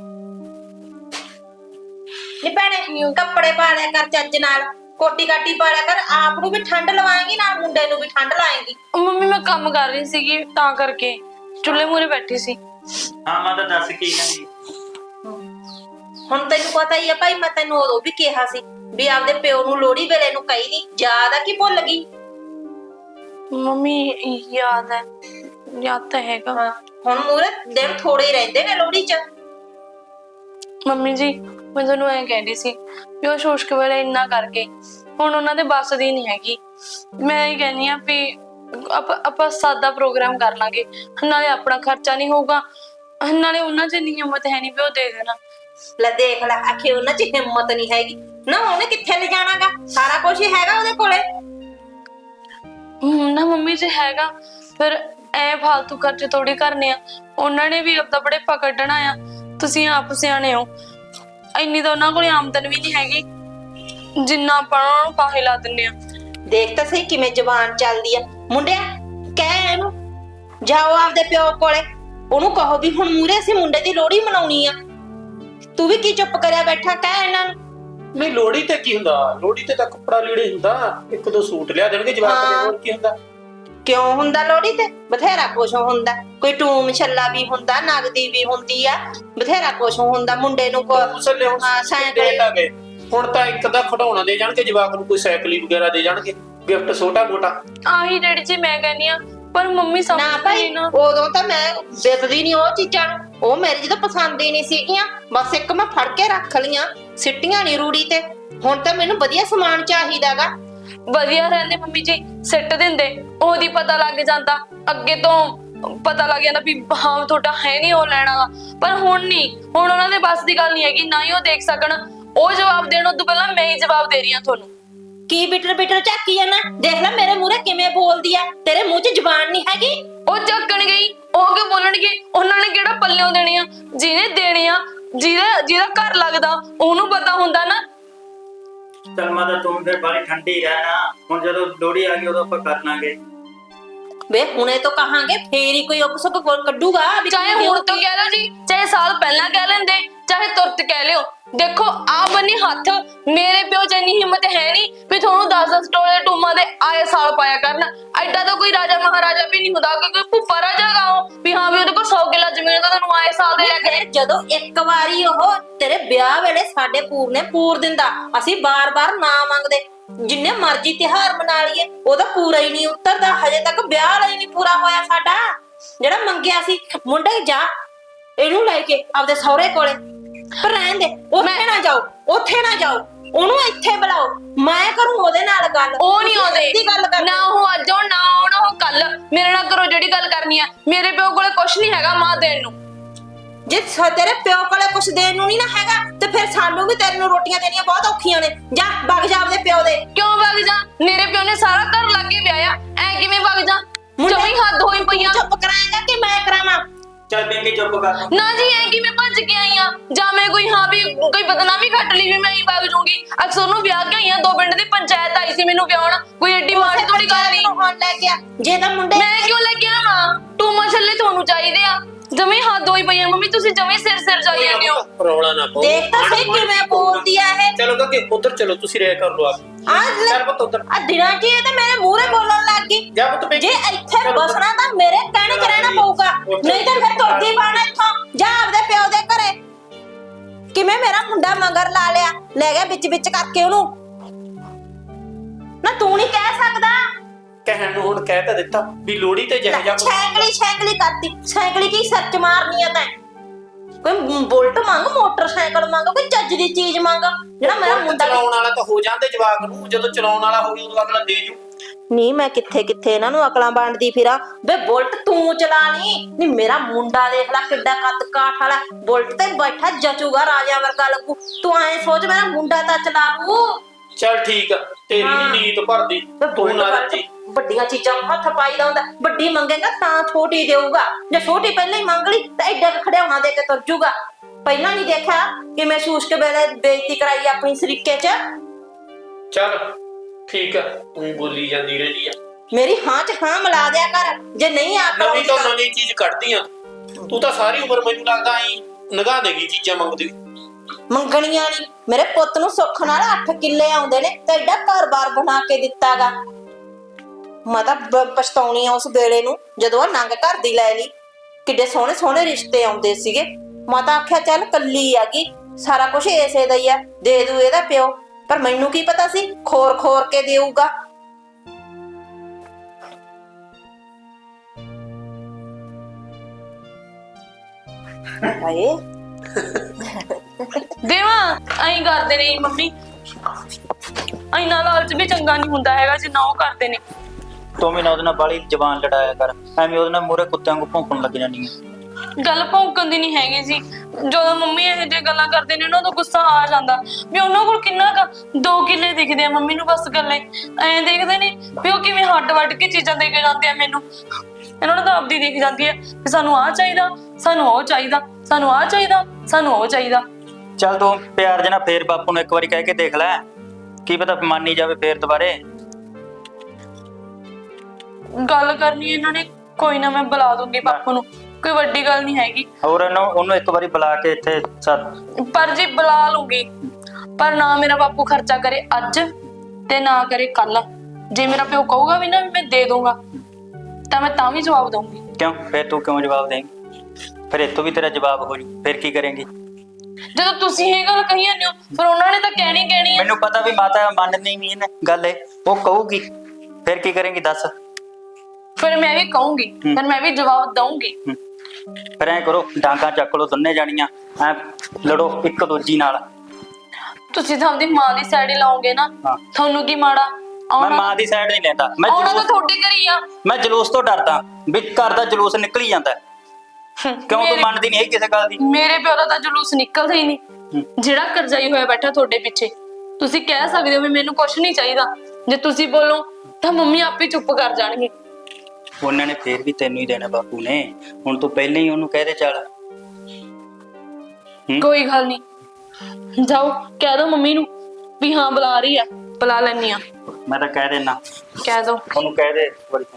Speaker 1: ਨੀ ਭੈਣੇ ਕੱਪੜੇ ਪਾ ਲਿਆ ਕਰ ਚੱਜ ਨਾਲ, ਕੋਟੀ ਕਾਟੀ ਪਾ ਲਿਆ ਕਰ। ਆਪ ਨੂੰ ਵੀ ਠੰਡ ਲਵਾਏਂਗੀ, ਨਾਲ ਮੁੰਡੇ ਨੂੰ ਵੀ ਠੰਡ ਲਾਏਂਗੀ।
Speaker 2: ਮੰਮੀ ਮੈਂ ਕੰਮ ਕਰ ਰਹੀ ਸੀਗੀ ਤਾਂ ਕਰਕੇ ਚੁੱਲ੍ਹੇ ਮੂਹਰੇ ਬੈਠੀ ਸੀ।
Speaker 4: ਹਾਂ ਮੈਂ ਤਾਂ ਦੱਸ ਕੀ ਕਹਿੰਦੀ।
Speaker 1: ਹੁਣ ਤੈਨੂੰ ਪਤਾ ਹੀ ਆ ਭਾਈ, ਮੈਂ ਤੈਨੂੰ ਉਦੋਂ ਵੀ ਕਿਹਾ ਸੀ ਵੀ ਆਪਦੇ ਪਿਓ ਨੂੰ ਲੋਹੜੀ ਵੇਲੇ ਨੂੰ ਕਹੀ ਦੀ। ਯਾਦ ਆ ਕਿ ਭੁੱਲ ਗਈ?
Speaker 2: ਮੰਮੀ ਯਾਦ ਹੈ, ਯਾਦ ਤਾਂ ਹੈਗਾ।
Speaker 1: ਹਾਂ ਹੁਣ ਮੂਰੇ ਦਿਨ ਥੋੜੇ ਹੀ ਰਹਿੰਦੇ ਨੇ ਲੋਹੜੀ 'ਚ।
Speaker 2: ਮੰਮੀ ਜੀ ਮੈਂ ਤੁਹਾਨੂੰ ਐਂ ਕਹਿੰਦੀ ਸੀ ਵੀ ਉਹ ਸ਼ੋਸ਼ਕ ਵੇਲੇ ਇੰਨਾ ਕਰਕੇ ਹੁਣ ਉਹਨਾਂ ਦੇ ਬੱਸ ਦੀ ਨਹੀਂ ਹੈਗੀ। ਮੈਂ ਇਹ ਕਹਿੰਦੀ ਆ ਵੀ ਆਪਾਂ ਸਾਦਾ ਪ੍ਰੋਗਰਾਮ ਕਰ ਲਾਂਗੇ, ਨਾਲੇ ਆਪਣਾ ਖਰਚਾ ਨਹੀਂ ਹੋਊਗਾ, ਨਾਲੇ ਉਹਨਾਂ 'ਚ ਇੰਨੀ ਹਿੰਮਤ ਹੈ ਨਹੀਂ ਵੀ ਉਹ ਦੇ ਦੇਣਾ।
Speaker 1: ਲੈ ਦੇਖ ਲੈ, ਆਖੇ ਉਹਨਾਂ 'ਚ ਹਿੰਮਤ ਨਹੀਂ ਹੈਗੀ ਨਾ, ਉਹਨੇ ਕਿੱਥੇ ਲੈ ਜਾਣਾਗਾ, ਸਾਰਾ ਕੁਝ ਹੀ ਹੈਗਾ ਉਹਦੇ ਕੋਲੇ।
Speaker 2: ਨਾ ਮੰਮੀ ਜੀ ਹੈਗਾ, ਫਿਰ ਐ ਫालतू ਖਰਚੇ ਥੋੜੀ ਕਰਨੇ ਆ, ਉਹਨਾਂ ਨੇ ਵੀ ਆਪਦਾ ਬੜੇਪਾ ਕੱਢਣਾ ਆ। ਤੁਸੀਂ ਆਪ ਸਿਆਣੇ ਹੋ, ਇੰਨੀ ਤਾਂ ਉਹਨਾਂ ਕੋਲ ਆਮਦਨ ਵੀ ਨਹੀਂ ਹੈਗੀ ਜਿੰਨਾ ਆਪਾਂ ਉਹਨਾਂ ਨੂੰ ਫਾਹੇ ਲਾ ਦਿੰਨੇ ਆ।
Speaker 1: ਦੇਖ ਤਾਂ ਸਹੀ ਕਿਵੇਂ ਜ਼ਬਾਨ ਚੱਲਦੀ ਆ। ਮੁੰਡਿਆ ਕਹਿ ਇਹਨੂੰ, ਜਾਓ ਆਪਦੇ ਪਿਓ ਕੋਲੇ, ਉਹਨੂੰ ਕਹੋ ਵੀ ਹੁਣ ਮੂਰੇ ਅਸੀਂ ਮੁੰਡੇ ਦੀ ਲੋਹੜੀ ਮਨਾਉਣੀ ਆ। ਤੂੰ ਵੀ ਕੀ ਚੁੱਪ ਕਰਿਆ ਬੈਠਾ, ਕਹਿ ਇਹਨਾਂ ਨੂੰ।
Speaker 5: ਨਹੀਂ ਲੋਹੜੀ ਤੇ ਕੀ ਹੁੰਦਾ, ਲੋਹੜੀ ਤੇ ਤਾਂ ਕੱਪੜਾ ਲੀੜੇ ਹੁੰਦਾ, ਇੱਕ ਦੋ ਸੂਟ ਲਿਆ ਦੇਣਗੇ ਜਵਾਕ ਦੇ, ਹੋਰ ਕੀ ਹੁੰਦਾ।
Speaker 1: ਕਿਉਂ ਹੁੰਦਾ ਲੋਹੜੀ ਤੇ? ਬਥੇਰਾ ਕੁਛ ਹੁੰਦਾ, ਕੋਈ ਟੂਮ ਛੱਲਾ ਵੀ ਹੁੰਦਾ, ਨਗਦੀ ਵੀ ਹੁੰਦੀ ਆ, ਬਥੇਰਾ ਕੁਛ ਹੁੰਦਾ। ਮੁੰਡੇ ਨੂੰ
Speaker 5: ਮੁਸਲੇ ਹੁਣ
Speaker 1: ਸਾਈਕਲ
Speaker 5: ਆ ਗਏ, ਹੁਣ ਤਾਂ ਇੱਕ ਦਾ ਖਿਡੌਣਾ ਦੇ ਜਾਣਗੇ ਜਵਾਕ ਨੂੰ, ਕੋਈ ਸਾਈਕਲੀ ਵਗੈਰਾ ਦੇ ਜਾਣਗੇ, ਗਿਫਟ ਛੋਟਾ ਮੋਟਾ।
Speaker 2: ਆਹੀ ਡੈਡੀ ਜੀ ਮੈਂ ਕਹਿੰਦੀ ਆ, ਪਰ ਮੰਮੀ
Speaker 1: ਨਾ
Speaker 2: ਸਮਝਦੀ
Speaker 1: ਭਾਈ,
Speaker 2: ਨਾ।
Speaker 1: ਉਦੋਂ ਤਾਂ ਮੈਂ ਦੇਖਦੀ ਨਹੀਂ ਉਹ ਚੀਜ਼ਾਂ ਨੂੰ, ਉਹ ਮੇਰੇ ਜਦੋਂ ਪਸੰਦ ਹੀ ਨਹੀਂ ਸੀਗੀਆਂ, ਬਸ ਇੱਕ ਮੈਂ ਫੜ ਕੇ ਰੱਖ ਲੀਆਂ, ਸਿੱਟੀਆਂ ਨਹੀਂ ਰੂੜੀ ਤੇ। ਹੁਣ ਤਾਂ ਮੈਨੂੰ ਵਧੀਆ ਸਮਾਨ ਚਾਹੀਦਾਗਾ।
Speaker 2: ਵਧੀਆ ਰਹਿੰਦੇ ਮੰਮੀ ਜੀ, ਸਿੱਟ ਦਿੰਦੇ, ਉਹਦੀ ਪਤਾ ਲੱਗ ਜਾਂਦਾ, ਅੱਗੇ ਤੋਂ ਪਤਾ ਲੱਗ ਜਾਂਦਾ ਵੀ ਹਾਂ ਤੁਹਾਡਾ ਹੈ ਨਹੀਂ ਉਹ ਲੈਣਾ। ਪਰ ਹੁਣ ਨਹੀਂ, ਹੁਣ ਉਹਨਾਂ ਦੇ ਬਸ ਦੀ ਗੱਲ ਨਹੀਂ ਹੈਗੀ, ਨਾ ਹੀ ਉਹ ਦੇਖ ਸਕਣ। ਉਹ ਜਵਾਬ ਦੇਣ ਤੋਂ ਪਹਿਲਾਂ ਮੈਂ ਹੀ ਜਵਾਬ ਦੇ ਰਹੀ ਹਾਂ ਤੁਹਾਨੂੰ।
Speaker 1: ਕੀ ਬਿਟਰ ਬਿਟਰ ਝਾਕੀ ਜਾਂਦਾ, ਦੇਖ ਲੈ ਮੇਰੇ ਮੂਹਰੇ ਕਿਵੇਂ ਬੋਲਦੀ ਆ, ਤੇਰੇ ਮੂੰਹ 'ਚ ਜ਼ਬਾਨ ਨਹੀਂ ਹੈਗੀ।
Speaker 2: ਉਹ ਝੱਕਣ ਗਈ, ਉਹ ਕਿਉਂ ਬੋਲਣਗੇ? ਉਹਨਾਂ ਨੇ ਕਿਹੜਾ ਪੱਲਿਓਂ ਦੇਣੇ ਆ, ਜਿਹਨੇ ਦੇਣੇ ਆ, ਜਿਹਦਾ ਘਰ ਲੱਗਦਾ ਉਹਨੂੰ ਪਤਾ ਹੁੰਦਾ ਨਾ।
Speaker 4: ਚੱਲ ਮਾਤਾ ਤੂੰ ਫਿਰ ਬਾਰੀ ਠੰਡੀ ਰਹਿਣਾ, ਹੁਣ ਜਦੋਂ ਲੋਹੜੀ ਆ ਗਈ ਉਦੋਂ ਆਪਾਂ ਕਰ ਲਾਂਗੇ।
Speaker 1: ਵੇ ਹੁਣੇ ਤੋਂ ਕਹਾਂਗੇ ਫੇਰ ਹੀ ਕੋਈ ਉਪਸਕ ਕੱਢੂਗਾ ਵੀ
Speaker 2: ਚਾਹੇ ਹੁਣ ਤੋਂ ਕਹਿ ਲਓ ਜੀ, ਚਾਹੇ ਸਾਲ ਪਹਿਲਾਂ ਕਹਿ ਲੈਂਦੇ, ਚਾਹੇ ਤੁਰਤ ਕਹਿ ਲਿਓ। ਦੇਖੋ ਆ ਬੰਨੀ ਹੱਥ, ਮੇਰੇ ਪਿਓ ਚ ਇੰਨੀ ਹਿੰਮਤ ਹੈ ਨਹੀਂ ਵੀ ਤੁਹਾਨੂੰ 10-10 ਟੋਲੇ ਟੂਮਾਂ ਦੇ ਆਏ ਸਾਲ ਪਾਇਆ ਕਰਨ। ਐਡਾ ਤਾਂ ਕੋਈ ਰਾਜਾ ਮਹਾਰਾਜਾ ਵੀ ਨਹੀਂ ਹੁੰਦਾ ਕਿ ਕੋਈ ਭੁੱਪਾ ਰਾਜਾ ਗਾਓ ਵੀ ਹਾਂ ਵੀ ਉਹਦੇ ਕੋਲ 100 ਕਿੱਲਾ ਜ਼ਮੀਨ ਤਾਂ ਤੁਹਾਨੂੰ ਆਏ ਸਾਲ ਦੇ ਲੈ ਕੇ।
Speaker 1: ਜਦੋਂ ਇੱਕ ਵਾਰੀ ਉਹ ਤੇਰੇ ਵਿਆਹ ਵੇਲੇ ਸਾਡੇ ਪੂਰ ਨੇ ਪੂਰ ਦਿੰਦਾ, ਅਸੀਂ ਬਾਰ-ਬਾਰ ਨਾ ਮੰਗਦੇ, ਜਿੰਨੇ ਮਰਜ਼ੀ ਤਿਹਾਰ ਮਨਾ ਲਈਏ, ਉਹਦਾ ਪੂਰਾ ਹੀ ਨਹੀਂ ਉਤਰਦਾ। ਹਜੇ ਤੱਕ ਵਿਆਹ ਵਾਲਾ ਹੀ ਨਹੀਂ ਪੂਰਾ ਹੋਇਆ ਸਾਡਾ, ਜਿਹੜਾ ਮੰਗਿਆ ਸੀ। ਮੁੰਡੇ ਜਾ ਇਹਨੂੰ ਲੈ ਕੇ ਆਪਦੇ ਸਹੁਰੇ ਕੋਲੇ, ਪਰ ਰਹਿਣ ਦੇ, ਉੱਥੇ ਨਾ ਜਾਓ, ਉੱਥੇ ਨਾ ਜਾਓ, ਉਹਨੂੰ ਇੱਥੇ ਬੁਲਾਓ, ਮੈਂ ਕਰੂੰ ਉਹਦੇ ਨਾਲ ਗੱਲ।
Speaker 2: ਉਹ ਨਹੀਂ ਆਉਂਦੇ,
Speaker 1: ਗੱਲ ਕਰ,
Speaker 2: ਨਾ ਉਹ ਅੱਜ ਆਉਣ ਨਾ ਆਉਣ ਉਹ ਕੱਲ। ਮੇਰੇ ਨਾਲ ਕਰੋ ਜਿਹੜੀ ਗੱਲ ਕਰਨੀ ਆ। ਮੇਰੇ ਪਿਓ ਕੋਲੇ ਕੁਛ ਨਹੀਂ ਹੈਗਾ ਮਾਂ ਦੇਣ ਨੂੰ।
Speaker 1: ਜੇ ਤੇਰੇ ਪਿਓ ਕੋਲੇ ਕੁਛ ਦੇਣ ਨੂੰ ਨਹੀਂ ਨਾ ਹੈਗਾ, ਤੇ ਫਿਰ ਸਾਨੂੰ ਵੀ ਤੇਰੇ ਨੂੰ ਰੋਟੀਆਂ ਦੇਣੀਆਂ ਬਹੁਤ ਔਖੀਆਂ ਨੇ। ਜਾ ਵਗ ਜਾ ਆਪਦੇ ਪਿਓ ਦੇ।
Speaker 2: ਕਿਉਂ ਵਗ ਜਾ? ਮੇਰੇ ਪਿਓ ਨੇ ਸਾਰਾ ਘਰ ਲਾਗੇ ਵਿਆਹਿਆ, ਐ ਕਿਵੇਂ ਵਗ ਜਾ? ਜਮੀ ਹੱਦ ਹੋਈ ਪਈਆਂ।
Speaker 1: ਚੁੱਪ ਕਰਾਏਗਾ ਕਿ ਮੈਂ ਕਰਾਵਾਂ?
Speaker 4: ਚੱਲ ਪਿੰਕੀ ਚੁੱਪ ਕਰ।
Speaker 2: ਨਾ ਜੀ ਐ ਕਿਵੇਂ ਭੱਜ ਕੇ ਆਈ ਆ? ਜਾਂ ਮੈਂ ਕੋਈ ਹਾਂ ਵੀ ਕੋਈ ਬਦਨਾਮੀ ਘੱਟ ਲਈ ਵੀ ਮੈਂ ਹੀ ਵਗ ਜਾਊਂਗੀ? ਅਕਸਰ ਨੂੰ ਵਿਆਹ ਕੇ ਆਈ ਆ, 2 ਪਿੰਡ ਦੀ ਪੰਚਾਇਤ ਆਈ ਸੀ ਮੈਨੂੰ ਵਿਆਹਣ, ਕੋਈ ਏਡੀ ਮਾੜੀ ਥੋੜੀ ਗੱਲ ਨਹੀਂ।
Speaker 1: ਹੁਣ ਲੈ ਕੇ ਆ, ਜੇ ਤਾਂ ਮੁੰਡੇ
Speaker 2: ਮੈਂ ਕਿਉਂ ਲੈ ਕੇ ਆਵਾਂ? ਟੂਮਾ ਛੱਲੇ ਤੁਹਾਨੂੰ ਚਾਹੀਦੇ ਆ। ਜਮੀ ਹੱਦ ਹੋਈ ਪਈਆਂ ਮੰਮੀ, ਤੁਸੀਂ ਜਮੀ ਸਿਰ ਜਾਈ ਜਾਂਦੇ ਹੋ।
Speaker 5: ਰੌਲਾ ਨਾ ਪਾਓ,
Speaker 1: ਦੇਖ ਤਾਂ ਸਹੀ ਕਿਵੇਂ ਬੋਲਦੀ ਆ ਇਹ।
Speaker 5: ਚਲੋ ਕਿ ਉਧਰ ਚਲੋ, ਤੁਸੀਂ ਰਹਿ ਕਰ ਲੋ ਆ। ਚੱਲ ਪੁੱਤ ਉਧਰ।
Speaker 1: ਆ ਦਿਨਾਂ 'ਚ ਇਹ ਤਾਂ ਮੇਰੇ ਮੂਹਰੇ ਬੋਲਣ ਲੱਗ ਗਈ।
Speaker 5: ਜਾ ਪੁੱਤ
Speaker 1: ਜੇ ਇੱਥੇ ਬਸਣਾ ਤਾਂ ਮੇਰੇ ਕਹਿਣੇ 'ਚ ਰਹਿਣਾ ਪਊਗਾ, ਨਹੀਂ ਤਾਂ ਫਿਰ ਤੁਰਦੀ ਪਾਣਾ ਇੱਥੋਂ। ਜਾ ਆਪਦੇ ਪਿਓ ਦੇ ਘਰੇ। ਕਿਵੇਂ ਮੇਰਾ ਮੁੰਡਾ ਮਗਰ ਲਾ ਲਿਆ, ਲੈ ਗਿਆ ਵਿੱਚ ਕਰਕੇ ਉਹਨੂੰ। ਨਾ ਤੂੰ ਨਹੀਂ ਕਹਿ ਸਕਦਾ?
Speaker 5: ਕਹਿਣ ਨੂੰ ਹੁਣ ਕਹਿ ਤਾਂ ਦਿੱਤਾ ਵੀ ਲੋਹੜੀ ਤੇ ਜਿਹੋ ਜਿਹਾ
Speaker 1: ਸਾਈਕਲੀ ਕਰਤੀ। ਸਾਈਕਲੀ ਕੀ ਸੱਚ ਮਾਰਨੀ ਆ ਤੈਂ? ਕੋਈ ਬੁਲਟ ਮੰਗ, ਮੋਟਰਸਾਈਕਲ ਮੰਗ, ਕੋਈ ਚੱਜ ਦੀ ਚੀਜ਼ ਮੰਗ, ਜਿਹੜਾ ਮੇਰਾ ਮੁੰਡਾ।
Speaker 5: ਚਲਾਉਣ ਵਾਲਾ ਤਾਂ ਹੋ ਜਾਂਦੇ ਜਵਾਕ ਨੂੰ, ਜਦੋਂ ਚਲਾਉਣ ਵਾਲਾ ਹੋ ਗਿਆ ਉਦੋਂ ਅਗਲਾ ਦੇ ਜੂ।
Speaker 1: ਨਹੀਂ ਮੈਂ ਕਿੱਥੇ ਇਹਨਾਂ ਨੂੰ ਅਕਲਾਂ ਬਣਦੀ ਫਿਰਾਂ। ਵੇ ਬੁਲਟ ਤੂੰ ਚਲਾ ਨਹੀਂ ਮੇਰਾ ਮੁੰਡਾ ਦੇਖ ਲੈ ਕਿੱਡਾ ਕੱਦ ਕਾਠ ਵਾਲਾ, ਬੁਲਟ ਤੇ ਬੈਠਾ ਜਚੂਗਾ, ਰਾਜਾ ਵਰਗਾ ਲੱਗੂ। ਤੂੰ ਐ ਸੋਚ ਮੇਰਾ ਮੁੰਡਾ ਤਾਂ ਚਲਾ ਲੂ।
Speaker 5: ਚੱਲ ਠੀਕ ਆ, ਤੇਰੀ ਨੀ ਨੀਤ ਭਰਦੀ, ਤੂੰ ਨਾ ਰੱਜੀ।
Speaker 1: ਵੱਡੀਆਂ ਚੀਜ਼ਾਂ ਹੱਥ ਪਾਈਦਾ ਹੁੰਦਾ, ਵੱਡੀ ਮੰਗੇਗਾ ਤਾਂ ਛੋਟੀ ਦੇਊਗਾ। ਜੇ ਛੋਟੀ ਪਹਿਲਾਂ ਹੀ ਮੰਗ ਲਈ ਤਾਂ ਐਡਾ ਖੜਿਆਉਣਾ ਦੇ ਕੇ ਤੁਰ ਜੂਗਾ। ਪਹਿਲਾਂ ਨਹੀਂ ਦੇਖਿਆ ਕਿਵੇਂ ਸ਼ੂਸ਼ ਕੇ ਵੇਲੇ ਬੇਇੱਜ਼ਤੀ ਕਰਾਈ ਆਪਣੀ ਸਰੀਕੇ 'ਚ।
Speaker 5: ਚੱਲ ਠੀਕ ਆ, ਤੂੰ ਬੋਲੀ ਜਾਂਦੀ ਰਹਿੰਦੀ ਆ।
Speaker 1: ਮੇਰੀ ਹਾਂ 'ਚ ਹਾਂ ਮਿਲਾ ਦਿਆ ਕਰ, ਜੇ ਨਹੀਂ ਆਕਲ
Speaker 5: ਨਵੀਂ ਤੋਂ ਨਵੀਂ ਚੀਜ਼ ਕੱਢਦੀ ਆ ਤੂੰ ਤਾਂ। ਸਾਰੀ ਉਮਰ ਮੈਨੂੰ ਲੱਗਦਾ ਆਈ ਨਿਗਾਹ ਦੇਗੀ ਚੀਜ਼ਾਂ ਮੰਗਦੀ।
Speaker 1: ਮੰਗਣੀਆਂ ਨਹੀਂ, ਮੇਰੇ ਪੁੱਤ ਨੂੰ ਸੁੱਖ ਨਾਲ 8 ਕਿੱਲੇ ਆਉਂਦੇ ਨੇ ਤੇ ਐਡਾ ਘਰ-ਬਾਰ ਬਣਾ ਕੇ ਦਿੱਤਾਗਾ। ਮੈਂ ਤਾਂ ਪਛਤਾਉਣੀ ਆ ਉਸ ਵੇਲੇ ਨੂੰ ਜਦੋਂ ਆ ਨੰਗ ਘਰ ਦੀ ਲੈ ਲਈ। ਕਿੱਡੇ ਸੋਹਣੇ ਸੋਹਣੇ ਰਿਸ਼ਤੇ ਆਉਂਦੇ ਸੀਗੇ। ਮੈਂ ਤਾਂ ਆਖਿਆ ਚੱਲ ਕੱਲੀ ਆਗੀ, ਸਾਰਾ ਕੁਝ ਏਸੇ ਦਾ ਹੀ ਆ, ਦੇ ਦੂ ਇਹਦਾ ਪਿਓ। ਪਰ ਮੈਨੂੰ ਕੀ ਪਤਾ ਸੀ ਖੋਰ ਕੇ ਦੇਊਗਾ। ਹਾਏ
Speaker 2: ਦੇਵਾ ਐਂ ਕਰਦੇ ਨੇ ਮੰਮੀ, ਐਨਾ ਲਾਲਚ ਵੀ ਚੰਗਾ ਨਹੀਂ ਹੁੰਦਾ ਹੈਗਾ ਜਿੰਨਾ ਉਹ ਕਰਦੇ ਨੇ।
Speaker 4: ਤੂੰ ਵੀ ਨਾ ਉਹਦੇ ਨਾਲ ਬਾਲੀ ਜ਼ਬਾਨ ਲੜਾਇਆ ਕਰ, ਐਵੇਂ ਉਹਦੇ ਨਾਲ ਮੂਹਰੇ ਕੁੱਤਿਆਂ ਨੂੰ ਭੌਂਕਣ ਲੱਗ ਜਾਂਦੀ ਹੈ।
Speaker 2: ਗੱਲ ਭੌਂਕਣ ਦੀ ਨਹੀਂ ਹੈਗੀ ਜੀ। ਜਦੋਂ ਮੰਮੀ ਇਹੋ ਜਿਹੀ ਗੱਲਾਂ ਕਰਦੇ ਨੇ ਉਹਨਾਂ ਦਾ ਗੁੱਸਾ ਆ ਜਾਂਦਾ ਵੀ ਉਹਨਾਂ ਕੋਲ ਕਿੰਨਾ ਕੁ 2 ਕਿੱਲੇ ਦਿਖਦੇ ਆ ਮੰਮੀ ਨੂੰ, ਬਸ ਗੱਲੇ ਐਂ ਦੇਖਦੇ ਨੇ ਵੀ ਉਹ ਕਿਵੇਂ ਹੱਡ ਵੱਢ ਕੇ ਚੀਜ਼ਾਂ ਦੇ ਕੇ ਜਾਂਦੇ ਆ ਮੈਨੂੰ। ਇਹਨਾਂ ਨੂੰ ਤਾਂ ਆਪਦੀ ਦਿਖ ਜਾਂਦੀ ਹੈ ਵੀ ਸਾਨੂੰ ਆਹ ਚਾਹੀਦਾ, ਸਾਨੂੰ ਉਹ ਚਾਹੀਦਾ, ਸਾਨੂੰ ਆਹ ਚਾਹੀਦਾ, ਸਾਨੂੰ ਉਹ ਚਾਹੀਦਾ।
Speaker 4: ਚੱਲ ਤੂੰ ਪਿਆਰ ਜਨਾ ਫੇਰ ਬਾਪੂ ਨੂੰ ਇੱਕ ਵਾਰੀ ਕਹਿ ਕੇ ਦੇਖ ਲੈ, ਕੀ ਪਤਾ ਮੰਨ ਹੀ ਜਾਵੇ ਫੇਰ ਦੁਬਾਰੇ।
Speaker 2: ਗੱਲ ਕਰਨੀ ਇਹਨਾਂ ਨੇ, ਕੋਈ ਨਾ ਮੈਂ ਬੁਲਾ ਦੂੰਗੀ ਬਾਪੂ ਨੂੰ, ਕੋਈ ਵੱਡੀ ਗੱਲ ਨਹੀਂ ਹੈਗੀ।
Speaker 4: ਹੋਰ ਉਹਨੂੰ ਇੱਕ ਵਾਰੀ ਬੁਲਾ ਕੇ ਇੱਥੇ ਸੱਦ।
Speaker 2: ਪਰ ਜੀ ਬੁਲਾ ਲੂੰਗੀ, ਪਰ ਨਾ ਮੇਰਾ ਬਾਪੂ ਖਰਚਾ ਕਰੇ ਅੱਜ ਤੇ ਨਾ ਕਰੇ ਕੱਲ। ਜੇ ਮੇਰਾ ਪਿਓ ਕਹੂਗਾ ਵੀ ਨਾ ਵੀ ਮੈਂ ਦੇ ਦੂੰਗਾ ਤਾਂ ਮੈਂ ਤਾਂ ਵੀ ਜਵਾਬ ਦਊਂਗੀ।
Speaker 4: ਕਿਉਂ ਫੇਰ ਤੂੰ ਕਿਉਂ ਜਵਾਬ ਦੇਂਗੀ? ਫਿਰ ਇੱਥੋਂ ਵੀ ਤੇਰਾ ਜਵਾਬ ਹੋ ਜੂ, ਫਿਰ ਕੀ ਕਰੇਂਗੀ?
Speaker 2: ਜਦੋਂ ਤੁਸੀਂ ਇਹ ਗੱਲ ਕਹੀ ਜਾਂਦੇ ਹੋ ਫਿਰ ਉਹਨਾਂ ਨੇ ਤਾਂ ਕਹਿਣੀ ਹੈ।
Speaker 4: ਮੈਨੂੰ ਪਤਾ ਵੀ ਮਾਤਾ ਮੰਨਦੀ ਨਹੀਂ ਇਹਨੇ ਗੱਲ, ਉਹ ਕਹੂਗੀ, ਫਿਰ ਕੀ ਕਰੇਂਗੀ ਦੱਸ?
Speaker 2: ਫਿਰ ਮੈਂ ਵੀ ਕਹੂੰਗੀ, ਫਿਰ ਮੈਂ ਵੀ ਜਵਾਬ ਦਊਂਗੀ।
Speaker 4: ਫਿਰ ਐ ਕਰੋ, ਡਾਂਗਾ ਚੱਕ ਲੋ ਦੋਨੇ ਜਾਣੀਆਂ, ਐ ਲੜੋ ਇੱਕ ਦੂਜੀ ਨਾਲ।
Speaker 2: ਤੁਸੀਂ ਤਾਂ ਆਪਣੀ ਮਾਂ ਦੀ ਸਾਈਡ ਹੀ ਲਾਓਗੇ ਨਾ,
Speaker 4: ਹਾਂ।
Speaker 2: ਤੁਹਾਨੂੰ ਕੀ ਮਾੜਾ?
Speaker 4: ਮੈਂ ਮਾਂ ਦੀ ਸਾਈਡ ਨਹੀਂ ਲੈਂਦਾ, ਮੈਂ
Speaker 2: ਉਹਨਾਂ ਤਾਂ ਤੁਹਾਡੇ ਘਰ ਹੀ ਆ।
Speaker 4: ਮੈਂ ਜਲੂਸ ਤੋਂ ਡਰਦਾ ਵੀ ਘਰ ਦਾ ਜਲੂਸ ਨਿਕਲ ਹੀ ਜਾਂਦਾ। ਕਿਉਂ ਤੂੰ ਮੰਨਦੀ ਨਹੀਂ ਕਿਸੇ ਗੱਲ ਦੀ?
Speaker 2: ਮੇਰੇ ਪਿਓ ਦਾ ਤਾਂ ਜਲੂਸ ਨਿਕਲਦਾ ਹੀ ਨਹੀਂ, ਜਿਹੜਾ ਕਰਜ਼ਾਈ ਹੋਇਆ ਬੈਠਾ ਤੁਹਾਡੇ ਪਿੱਛੇ। ਤੁਸੀਂ ਕਹਿ ਸਕਦੇ ਹੋ ਵੀ ਮੈਨੂੰ ਕੁਝ ਨਹੀਂ ਚਾਹੀਦਾ, ਜੇ ਤੁਸੀਂ ਬੋਲੋ ਤਾਂ ਮੰਮੀ ਆਪੇ ਚੁੱਪ ਕਰ ਜਾਣਗੇ।
Speaker 4: ਉਹਨਾਂ ਨੇ ਫੇਰ ਵੀ ਤੈਨੂੰ ਹੀ ਦੇਣਾ ਬਾਪੂ ਨੇ, ਹੁਣ ਤੂੰ ਪਹਿਲਾਂ ਹੀ ਉਹਨੂੰ ਕਹਿ ਦੇ ਚੱਲ।
Speaker 2: ਕੋਈ ਗੱਲ ਨਹੀਂ, ਜਾਓ ਕਹਿ ਦੋ ਮੰਮੀ ਨੂੰ ਵੀ ਹਾਂ ਬੁਲਾ ਰਹੀ ਆ, ਬੁਲਾ ਲੈਣੀ ਆ।
Speaker 4: ਮੈਂ ਤਾਂ ਕਹਿ ਦੇਣਾ,
Speaker 2: ਕਹਿ ਦੋ
Speaker 4: ਉਹਨੂੰ ਕਹਿ ਦੇ ਬੜੀ।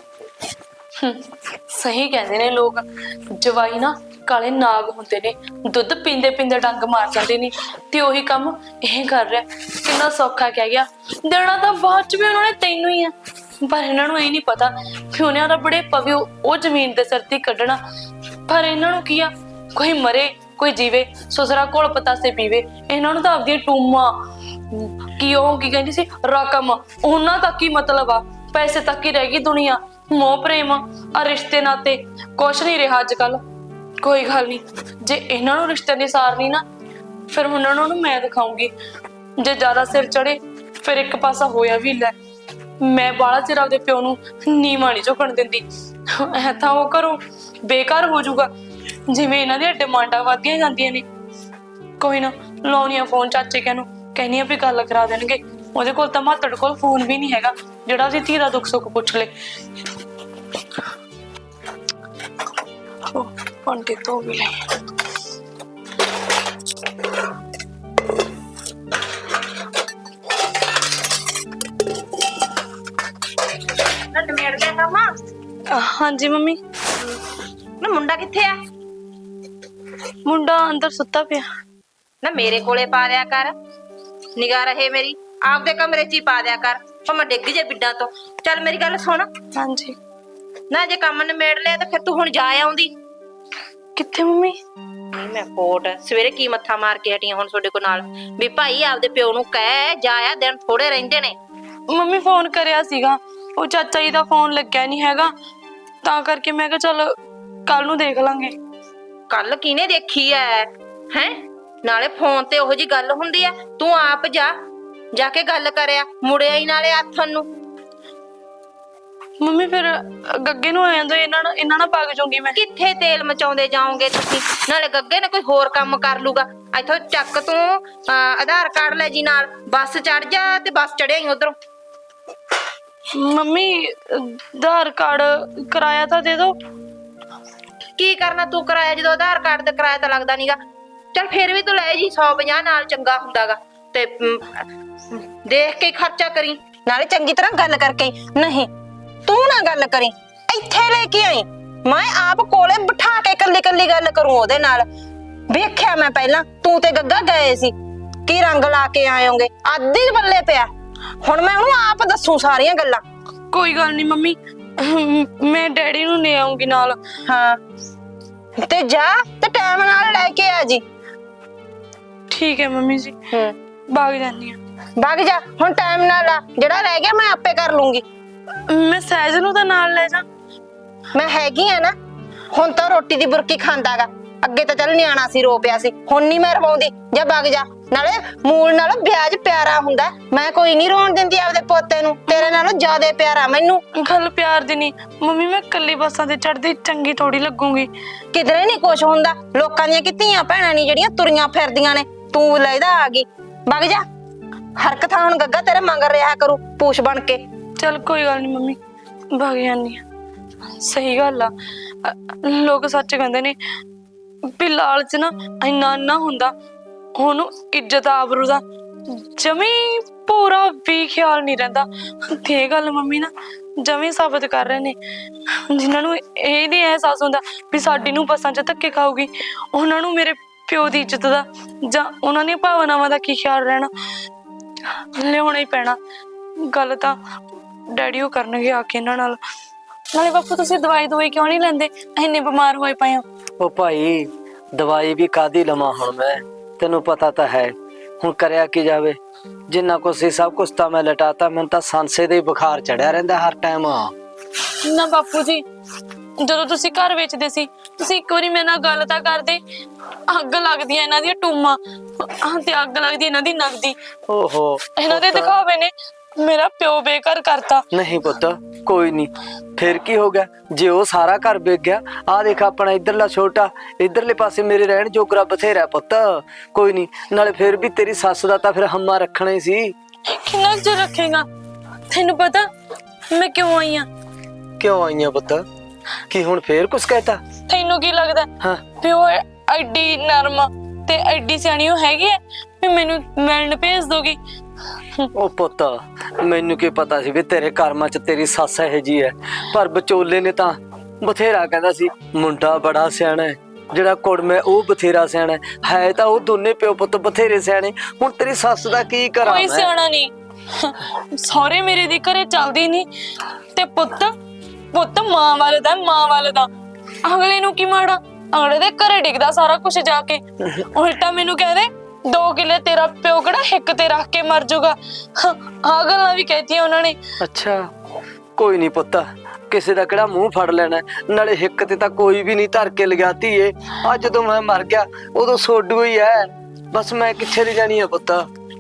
Speaker 2: ਸਹੀ ਕਹਿੰਦੇ ਨੇ ਲੋਕ, ਜਵਾਈ ਨਾ ਕਾਲੇ ਨਾਗ ਹੁੰਦੇ ਨੇ, ਦੁੱਧ ਪੀਂਦੇ ਪੀਂਦੇ ਡੰਗ ਮਾਰ ਜਾਂਦੇ ਨੇ। ਤੇ ਉਹੀ ਕੰਮ ਇਹ ਕਰ ਰਿਹਾ, ਕਿੰਨਾ ਸੌਖਾ ਕਹਿ ਗਿਆ। ਦੇਣਾ ਤਾਂ ਬਾਅਦ ਚ ਵੀ ਉਹਨਾਂ ਨੇ ਤੈਨੂੰ ਹੀ ਆ, ਪਰ ਇਹਨਾਂ ਨੂੰ ਇਹ ਨਹੀਂ ਪਤਾ ਕਿ ਉਹਨਾਂ ਦਾ ਬੜੇ ਪਵੇ ਉਹ ਜ਼ਮੀਨ ਦੇ ਸਿਰ ਤੇ ਕੱਢਣਾ। ਪਰ ਇਹਨਾਂ ਨੂੰ ਕੀ ਆ, ਕੋਈ ਮਰੇ ਕੋਈ ਜੀਵੇ, ਸੁਸਰਾ ਕੋਲ ਪਤਾਸੇ ਪੀਵੇ। ਇਹਨਾਂ ਨੂੰ ਤਾਂ ਆਪਦੀਆਂ ਟੂਮਾਂ ਕੀ ਉਹ ਕੀ ਕਹਿੰਦੀ ਸੀ ਰਕਮ, ਉਹਨਾਂ ਤੱਕ ਹੀ ਮਤਲਬ ਆ, ਪੈਸੇ ਤੱਕ ਹੀ ਰਹਿ ਗਈ ਦੁਨੀਆ। ਮੋਹ ਪ੍ਰੇਮ ਆ ਰਿਸ਼ਤੇ ਨਾਤੇ ਕੁਛ ਨਹੀਂ ਰਿਹਾ ਅੱਜ ਕੱਲ। ਕੋਈ ਗੱਲ ਨਹੀਂ, ਜੇ ਇਹਨਾਂ ਨੂੰ ਰਿਸ਼ਤੇ ਦੀ ਸਾਰ ਨਹੀਂ ਨਾ, ਫਿਰ ਉਹਨਾਂ ਨੂੰ ਮੈਂ ਦਿਖਾਉਂਗੀ। ਜੇ ਜ਼ਿਆਦਾ ਸਿਰ ਚੜੇ ਫਿਰ ਇੱਕ ਪਾਸਾ ਹੋਇਆ ਵੀ ਲੈ। ਮੈਂ ਬਾਲਾ ਚਿਰ ਆਪਦੇ ਪਿਓ ਨੂੰ ਨੀਵਾਂ ਨਹੀਂ ਝੁਕਣ ਦਿੰਦੀ, ਐ ਤਾਂ ਉਹ ਘਰੋਂ ਬੇਕਾਰ ਹੋ ਜਾਊਗਾ ਜਿਵੇਂ ਇਹਨਾਂ ਦੀਆਂ ਡਿਮਾਂਡਾਂ ਵੱਧਦੀਆਂ ਜਾਂਦੀਆਂ ਨੇ। ਕੋਈ ਨਾ, ਲਾਉਣੀ ਆ ਫੋਨ ਚਾਚੇ ਕਹਿ ਨੂੰ, ਕਹਿੰਦੀ ਆ ਵੀ ਗੱਲ ਕਰਾ ਦੇਣਗੇ। ਉਹਦੇ ਕੋਲ ਤਾਂ ਮਾਤੜ ਕੋਲ ਫੋਨ ਵੀ ਨਹੀਂ ਹੈਗਾ ਜਿਹੜਾ ਉਹਦੀ ਧੀ ਦਾ ਦੁੱਖ ਸੁੱਖ ਪੁੱਛ ਲੇ। ਭਾਂਡੇ ਧੋ ਵੀ ਲੈ।
Speaker 1: ਨਮੇੜ ਗਿਆ ਕੰਮ?
Speaker 2: ਹਾਂਜੀ ਮੰਮੀ।
Speaker 1: ਨਾ ਮੁੰਡਾ ਕਿੱਥੇ ਆ?
Speaker 2: ਮੁੰਡਾ ਅੰਦਰ ਸੁੱਤਾ ਪਿਆ।
Speaker 1: ਨਾ ਮੇਰੇ ਕੋਲੇ ਪਾ ਦਿਆ ਕਰ, ਨਿਗਾਹ ਰਹੇ ਮੇਰੀ। ਆਪਦੇ ਕਮਰੇ 'ਚ ਹੀ ਪਾ ਦਿਆ ਕਰ, ਭਾਵੇਂ ਡਿੱਗ ਜੇ ਬਿੱਡਾਂ ਤੋਂ। ਚੱਲ ਮੇਰੀ ਗੱਲ ਸੁਣ,
Speaker 2: ਹਾਂਜੀ।
Speaker 1: ਨਾ ਜੇ ਕੰਮ ਨਿਮੇੜ ਲਿਆ ਤਾਂ ਫਿਰ ਤੂੰ ਹੁਣ ਜਾ ਆਉਂਦੀ।
Speaker 2: ਕਿੱਥੇ ਮੰਮੀ?
Speaker 1: ਨਹੀਂ ਮੈਂ ਕੋਟ ਸਵੇਰੇ ਕੀ ਮੱਥਾ ਮਾਰ ਕੇ ਹਟੀਆਂ ਹੁਣ ਤੁਹਾਡੇ ਕੋਲ ਨਾਲ ਵੀ ਭਾਈ ਆਪਦੇ ਪਿਓ ਨੂੰ ਕਹਿ ਜਾਇਆ, ਦਿਨ ਥੋੜੇ ਰਹਿੰਦੇ ਨੇ।
Speaker 2: ਮੰਮੀ ਫੋਨ ਕਰਿਆ ਸੀਗਾ, ਉਹ ਚਾਚਾ ਜੀ ਦਾ ਫੋਨ ਲੱਗਿਆ ਨਹੀਂ ਹੈਗਾ, ਤਾਂ ਕਰਕੇ ਮੈਂ ਕਿਹਾ ਚੱਲ ਕੱਲ ਨੂੰ ਦੇਖ ਲਾਂਗੇ।
Speaker 1: ਕੱਲ ਕਿਹਨੇ ਦੇਖੀ ਐ ਹੈ? ਨਾਲੇ ਫੋਨ ਤੇ ਉਹੋ ਜੀ ਗੱਲ ਹੁੰਦੀ ਐ, ਤੂੰ ਆਪ ਜਾ ਕੇ ਗੱਲ ਕਰਿਆ, ਮੁੜਿਆ ਹੀ ਨਾਲੇ ਆਥਣ ਨੂੰ।
Speaker 2: ਮੰਮੀ ਫਿਰ ਗੱਗੇ ਨੂੰ ਆ ਜਾਂਦਾ, ਇਹਨਾਂ ਨਾਲ ਭੱਗ ਜਾਊਂਗੀ ਮੈਂ।
Speaker 1: ਕਿੱਥੇ ਤੇਲ ਮਚਾਉਂਦੇ ਜਾਓਗੇ ਤੁਸੀਂ? ਨਾਲੇ ਗੱਗੇ ਨੇ ਕੋਈ ਹੋਰ ਕੰਮ ਕਰ ਲੂਗਾ। ਇੱਥੋਂ ਚੱਕ ਤੂੰ ਆਧਾਰ ਕਾਰਡ ਲੈ ਜੀ ਨਾਲ, ਬੱਸ ਚੜ ਜਾ ਤੇ ਬੱਸ ਚੜਿਆ ਹੀ ਉਧਰੋਂ।
Speaker 2: ਮੰਮੀ ਆਧਾਰ ਕਾਰਡ ਕਿਰਾਇਆ ਤਾਂ ਦੇ ਦੋ।
Speaker 1: ਕੀ ਕਰਨਾ ਤੂੰ ਕਿਰਾਇਆ, ਜਦੋਂ ਆਧਾਰ ਕਾਰਡ ਤੇ ਕਿਰਾਇਆ ਤਾਂ ਲੱਗਦਾ ਨੀਗਾ। ਚੱਲ ਫੇਰ ਵੀ ਤੂੰ ਲੈ ਜੀ 150 ਨਾਲ, ਚੰਗਾ ਹੁੰਦਾਗਾ। ਤੇ ਦੇਖ ਕੇ ਖਰਚਾ ਕਰੀ, ਨਾਲੇ ਚੰਗੀ ਤਰ੍ਹਾਂ ਗੱਲ ਕਰਕੇ। ਨਹੀਂ ਤੂੰ ਨਾ ਗੱਲ ਕਰੀ, ਇੱਥੇ ਲੈ ਕੇ ਆਈ, ਮੈਂ ਆਪ ਕੋਲੇ ਬਿਠਾ ਕੇ ਕੱਲੀ ਕੱਲੀ ਗੱਲ ਕਰੂੰ ਉਹਦੇ ਨਾਲ। ਵੇਖਿਆ ਮੈਂ ਪਹਿਲਾਂ ਤੂੰ ਤੇ ਗੱਗਾ ਗਏ ਸੀ, ਕੀ ਰੰਗ ਲਾ ਕੇ ਆਇਓਗੇ, ਆਦੀ ਬੱਲੇ ਪਿਆ। ਹੁਣ ਮੈਂ ਉਹਨੂੰ ਆਪ ਦੱਸੂ ਸਾਰੀਆਂ ਗੱਲਾਂ।
Speaker 2: ਕੋਈ ਗੱਲ ਨਹੀਂ ਮੰਮੀ, ਮੈਂ ਡੈਡੀ ਨੂੰ ਲੈ ਆਉਂਗੀ ਨਾਲ।
Speaker 1: ਹਾਂ ਤੇ ਜਾ ਤੇ ਟਾਈਮ ਨਾਲ ਲੈ ਕੇ ਆ ਜੀ।
Speaker 2: ਠੀਕ ਹੈ ਮੰਮੀ ਜੀ, ਭਾਗ ਜਾਨੀ ਆ।
Speaker 1: ਭਾਗ ਜਾ ਹੁਣ, ਟਾਈਮ ਨਾਲ ਆ, ਜਿਹੜਾ ਰਹਿ ਗਿਆ ਮੈਂ ਆਪੇ ਕਰ ਲੂੰਗੀ।
Speaker 2: ਮੈਂ ਸਹਿਜ ਨੂੰ ਤਾਂ ਨਾਲ ਲੈ ਜਾ।
Speaker 1: ਮੈਂ ਹੈਗੀ ਆ ਨਾ, ਹੁਣ ਤਾਂ ਰੋਟੀ ਦੀ ਬੁਰਕੀ ਖਾਂਦਾਗਾ। ਅੱਗੇ ਤਾਂ ਚੱਲ ਨਿਆਣਾ ਸੀ, ਰੋ ਪਿਆ ਸੀ, ਹੁਣ ਨਹੀਂ ਮੈਂ ਰਵਾਉਂਦੀ। ਜਾ ਭਾਗ ਜਾ, ਨਾਲੇ ਮੂਲ ਨਾਲੋਂ ਵਿਆਜ ਪਿਆਰਾ ਹੁੰਦਾ। ਮੈਂ ਕੋਈ ਨਹੀਂ ਰੋਣ ਦਿੰਦੀ ਆਪਦੇ ਪੋਤੇ ਨੂੰ, ਤੇਰੇ ਨਾਲੋਂ ਜ਼ਿਆਦਾ ਪਿਆਰਾ ਮੈਨੂੰ।
Speaker 2: ਗੱਲ ਪਿਆਰ ਦੀ ਨਹੀਂ ਮੰਮੀ, ਮੈਂ ਕੱਲੀ ਬੱਸਾਂ ਤੇ ਚੜਦੀ ਚੰਗੀ ਥੋੜੀ ਲੱਗੂਗੀ।
Speaker 1: ਕਿਧਰੇ ਨਹੀਂ ਕੁਛ ਹੁੰਦਾ, ਲੋਕਾਂ ਦੀਆਂ ਧੀਆਂ ਭੈਣਾਂ ਨਹੀਂ ਜਿਹੜੀਆਂ ਤੁਰੀਆਂ ਫਿਰਦੀਆਂ ਨੇ, ਤੂੰ ਲੈਦਾ ਆ ਗਈ। ਵਗ ਜਾ, ਹਰਕਤ ਹੁਣ ਗੱਗਾ ਤੇਰੇ ਮੰਗਰ ਰਿਹਾ ਕਰੂ ਪੂਛ ਬਣ ਕੇ।
Speaker 2: ਚੱਲ ਕੋਈ ਗੱਲ ਨਹੀਂ ਮੰਮੀ, ਭਗ ਜਾਂਦੀ ਆ। ਸਹੀ ਗੱਲ ਆ, ਲੋਕ ਸੱਚ ਕਹਿੰਦੇ ਨੇ ਵੀ ਲਾਲਚ ਨਾ ਇੰਨਾ ਹੁੰਦਾ, ਉਹਨੂੰ ਇੱਜ਼ਤ ਆਬਰੂ ਦਾ ਜਮੀ ਪੂਰਾ ਵੀ ਖਿਆਲ ਨਹੀਂ ਰਹਿੰਦਾ। ਤੇ ਇਹ ਗੱਲ ਮੰਮੀ ਨਾ ਜਮੀ ਸਾਬਤ ਕਰ ਰਹੇ ਨੇ। ਜਿਨ੍ਹਾਂ ਨੂੰ ਇਹ ਨਹੀਂ ਅਹਿਸਾਸ ਹੁੰਦਾ ਵੀ ਸਾਡੀ ਨੂੰ ਬੱਸਾਂ 'ਚ ਧੱਕੇ ਖਾਊਗੀ, ਉਹਨਾਂ ਨੂੰ ਮੇਰੇ ਪਿਓ ਦੀ ਇੱਜ਼ਤ ਦਾ ਜਾਂ ਉਹਨਾਂ ਦੀਆਂ ਭਾਵਨਾਵਾਂ ਦਾ ਕੀ ਖਿਆਲ ਰਹਿਣਾ। ਲਿਆਉਣਾ ਹੀ ਪੈਣਾ। ਗੱਲ ਤਾਂ ਡੈਡੀ ਉਹ ਕਰਨਗੇ ਆ ਕੇ ਇਹਨਾਂ ਨਾਲ। ਨਾਲੇ ਬਾਪੂ ਤੁਸੀਂ ਦਵਾਈ ਕਿਉਂ ਨਹੀਂ ਲੈਂਦੇ? ਇੰਨੇ ਬਿਮਾਰ ਹੋਏ ਪਏ ਹੋ।
Speaker 3: ਉਹ ਭਾਈ ਦਵਾਈ ਵੀ ਕਾਦੀ ਲਵਾਂ ਹੁਣ ਮੈਂ, ਤੈਨੂੰ ਪਤਾ ਤਾਂ ਹੈ। ਹੁਣ ਕਰਿਆ ਕੀ ਜਾਵੇ, ਜਿੰਨਾ ਕੁਛ ਸੀ ਸਭ ਕੁਛ ਤਾਂ ਮੈਂ ਲਟਾਤਾ। ਮੈਨੂੰ ਤਾਂ ਸਾਂਸੇ ਦੇ ਬੁਖਾਰ ਚੜਿਆ ਰਹਿੰਦਾ ਹਰ ਟਾਈਮ।
Speaker 2: ਨਾ ਬਾਪੂ ਜੀ, ਜਦੋਂ ਤੁਸੀਂ ਘਰ ਵੇਚਦੇ ਸੀ ਤੁਸੀਂ ਇੱਕ ਵਾਰੀ ਮੇਰੇ ਨਾਲ ਗੱਲ ਤਾਂ ਕਰਦੇ। ਅੱਗ ਲੱਗਦੀ ਹੈ ਇਹਨਾਂ ਦੀਆਂ ਟੂਮਾਂ ਤੇ ਅੱਗ ਲੱਗਦੀ ਇਹਨਾਂ ਦੀ ਨਗਦੀ।
Speaker 3: ਓਹੋ,
Speaker 2: ਇਹਨਾਂ ਦੇ ਦਿਖਾਵੇ ਨੇ ਮੇਰਾ ਪਿਓ ਬੇਘਰ ਕਰਤਾ।
Speaker 3: ਨਹੀਂ ਪੁੱਤ ਕੋਈ ਨਹੀਂ, ਫਿਰ ਕੀ ਹੋ ਗਿਆ ਜੇ ਉਹ ਸਾਰਾ ਘਰ ਵਿਕ ਗਿਆ। ਆਹ ਦੇਖ ਆਪਣਾ ਇਧਰਲਾ ਛੋਟਾ, ਇਧਰਲੇ ਪਾਸੇ ਮੇਰੇ ਰਹਿਣ ਜੋਗਰਾ ਬਥੇਰਾ ਪੁੱਤ। ਕੋਈ ਨਹੀਂ, ਨਾਲੇ ਫਿਰ ਵੀ ਤੇਰੀ ਸੱਸ ਦਾ ਤਾਂ ਫਿਰ ਹੰਮਾ ਰੱਖਣਾ ਹੀ ਸੀ।
Speaker 2: ਕਿੰਨਾ ਕੁ ਚਿਰ ਰੱਖੇਗਾ? ਤੈਨੂੰ ਪਤਾ ਮੈਂ ਕਿਉਂ ਆਈ ਆ?
Speaker 3: ਕਿਉਂ ਆਈਆਂ ਪੁੱਤ? ਕੀ ਹੁਣ ਫੇਰ ਕੁਛ ਕਹਿਤਾ?
Speaker 2: ਤੈਨੂੰ ਕੀ ਲੱਗਦਾ
Speaker 3: ਹਾਂ,
Speaker 2: ਪਿਓ ਐਡੀ ਨਰਮ ਤੇ ਐਡੀ ਸਿਆਣੀ ਉਹ ਹੈਗੀ ਹੈ ਵੀ ਮੈਨੂੰ ਮਿਲਣ ਭੇਜ ਦੋਗੀ?
Speaker 3: ਉਹ ਪੁੱਤ ਮੈਨੂੰ ਕੀ ਪਤਾ ਸੀ ਵੀ ਤੇਰੇ ਕਰਮਾਂ 'ਚ ਤੇਰੀ ਸੱਸ ਇਹੋ ਜੀ ਹੈ। ਪਰ ਵਿਚੋਲੇ ਨੇ ਤਾਂ ਬਥੇਰਾ ਕਹਿੰਦਾ ਸੀ ਮੁੰਡਾ ਬੜਾ ਸਿਆਣਾ ਹੈ, ਜਿਹੜਾ ਕੁੜਮਾ ਉਹ ਬਥੇਰਾ ਸਿਆਣਾ ਹੈ। ਤਾਂ ਉਹ ਦੋਨੇ ਪਿਓ ਪੁੱਤ ਬਥੇਰੇ ਸਿਆਣੇ। ਹੁਣ ਤੇਰੀ ਸੱਸ ਦਾ ਕੀ ਕਰਾਂ
Speaker 2: ਕੋਈ
Speaker 3: ਮੈਂ?
Speaker 2: ਸਿਆਣਾ ਨਹੀਂ। ਸਹੁਰੇ ਮੇਰੇ ਦੀ ਘਰੇ ਚੱਲਦੀ ਨਹੀਂ ਤੇ ਪੁੱਤ ਮਾਂ ਵਾਲੇ ਦਾ। ਅਗਲੇ ਨੂੰ ਕੀ ਮਾੜਾ, ਅਗਲੇ ਦੇ ਘਰੇ ਡਿੱਗਦਾ ਸਾਰਾ ਕੁਝ ਜਾ ਕੇ। ਉਲਟਾ ਮੈਨੂੰ ਕਹਿੰਦੇ 2 ਕਿੱਲੇ ਤੇਰਾ ਪਿਓ ਕਿਹੜਾ ਹਿੱਕ ਤੇ ਰੱਖ ਕੇ ਮਰ ਜਾਊਗਾ। ਆਹ ਗੱਲਾਂ ਵੀ ਕਹਿਤੀਆਂ ਉਹਨਾਂ ਨੇ।
Speaker 3: ਅੱਛਾ ਕੋਈ ਨਹੀਂ ਪੁੱਤ, ਕਿਸੇ ਦਾ ਕਿਹੜਾ ਮੂੰਹ ਫੜ ਲੈਣਾ। ਨਾਲੇ ਹਿੱਕ ਤੇ ਤਾਂ ਕੋਈ ਵੀ ਨਹੀਂ ਧਰ ਕੇ ਲਗਾਤੀ ਏ। ਅੱਜ ਜਦੋਂ ਮੈਂ ਮਰ ਗਿਆ ਉਦੋਂ ਸੋਡੂ ਹੀ ਹੈ, ਬਸ ਮੈਂ ਕਿੱਥੇ ਦੀ ਜਾਣੀ ਆ ਪੁੱਤ।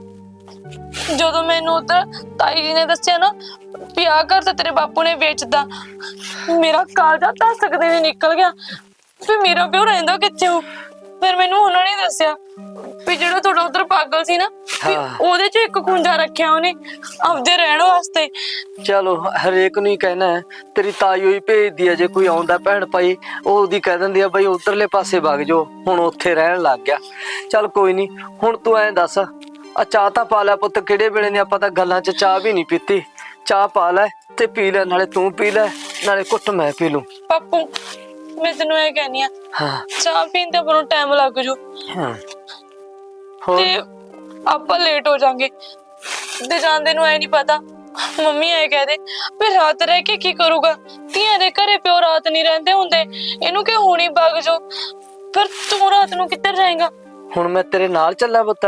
Speaker 2: ਜਦੋਂ ਮੈਨੂੰ ਉਧਰ ਤਾਈ ਜੀ ਨੇ ਦੱਸਿਆ ਨਾ ਵੀ ਆਹ ਘਰ ਤਾਂ ਤੇਰੇ ਬਾਪੂ ਨੇ ਵੇਚਦਾ, ਮੇਰਾ ਕਾਲਜਾ ਤਾਂ ਸਕਦੇ ਨੇ ਨਿਕਲ ਗਿਆ ਵੀ ਮੇਰਾ ਪਿਓ ਰਹਿੰਦਾ ਕਿੱਥੇ ਹੋ। ਫਿਰ ਮੈਨੂੰ ਉਹਨਾਂ ਨੇ ਦੱਸਿਆ ਵੀ ਜਿਹੜਾ ਤੁਹਾਡਾ ਉਧਰ ਪਾਗਲ ਸੀ ਨਾ, ਵੀ ਉਹਦੇ 'ਚ ਇੱਕ ਖੁੰਝਾ ਰੱਖਿਆ ਉਹਨੇ ਆਪਦੇ ਰਹਿਣ ਵਾਸਤੇ।
Speaker 3: ਚਲੋ ਹਰੇਕ ਨੂੰ ਹੀ ਕਹਿਣਾ ਹੈ, ਤੇਰੀ ਤਾਈ ਹੋਈ ਭੇਜਦੀ ਹੈ। ਜੇ ਕੋਈ ਆਉਂਦਾ ਭੈਣ ਭਾਈ ਉਹਦੀ ਕਹਿ ਦਿੰਦੀ ਆ ਬਈ ਉਧਰਲੇ ਪਾਸੇ ਵਗ ਜਾਓ, ਹੁਣ ਉੱਥੇ ਰਹਿਣ ਲੱਗ ਗਿਆ। ਚੱਲ ਕੋਈ ਨਹੀਂ, ਹੁਣ ਤੂੰ ਐਂ ਦੱਸ, ਆ ਚਾਹ ਤਾਂ ਪਾ ਲੈ ਪੁੱਤ। ਕਿਹੜੇ ਵੇਲੇ ਨੇ ਆਪਾਂ ਤਾਂ ਗੱਲਾਂ 'ਚ ਚਾਹ ਵੀ ਨਹੀਂ ਪੀਤੀ। ਚਾਹ ਪਾ ਲੈ ਤੇ ਪੀ ਲੈ, ਨਾਲੇ ਤੂੰ ਪੀ ਲੈ ਨਾਲੇ ਘੁੱਟ ਮੈਂ ਪੀ ਲੂੰ।
Speaker 2: ਪਾਪੂ ਮੈਂ ਤੈਨੂੰ ਇਹ ਕਹਿੰਦੀ ਆ,
Speaker 3: ਹਾਂ
Speaker 2: ਚਾਹ ਪੀਣ ਤੇ ਆਪਾਂ ਟਾਈਮ ਲੱਗ ਜੂ
Speaker 3: ਹਾਂ, ਹੋਰ
Speaker 2: ਤੇ ਆਪਾਂ ਲੇਟ ਹੋ ਜਾਾਂਗੇ। ਤੇ ਜਾਂਦੇ ਨੂੰ ਐ ਨਹੀਂ ਪਤਾ ਮੰਮੀ ਐ ਕਹਦੇ ਵੀ ਰਾਤ ਰਹਿ ਕੇ ਕੀ ਕਰੂਗਾ। ਧੀਆਂ ਦੇ ਘਰੇ ਪਿਓ ਰਾਤ ਨਹੀਂ ਰਹਿੰਦੇ ਹੁੰਦੇ, ਇਹਨੂੰ ਕਿ ਹੁਣੀ ਵਗ ਜਾਓ। ਫਿਰ ਤੂੰ ਰਾਤ ਨੂੰ ਕਿੱਧਰ ਜਾਏਗਾ?
Speaker 3: ਹੁਣ ਮੈਂ ਤੇਰੇ ਨਾਲ ਚੱਲਾਂ ਪੁੱਤ?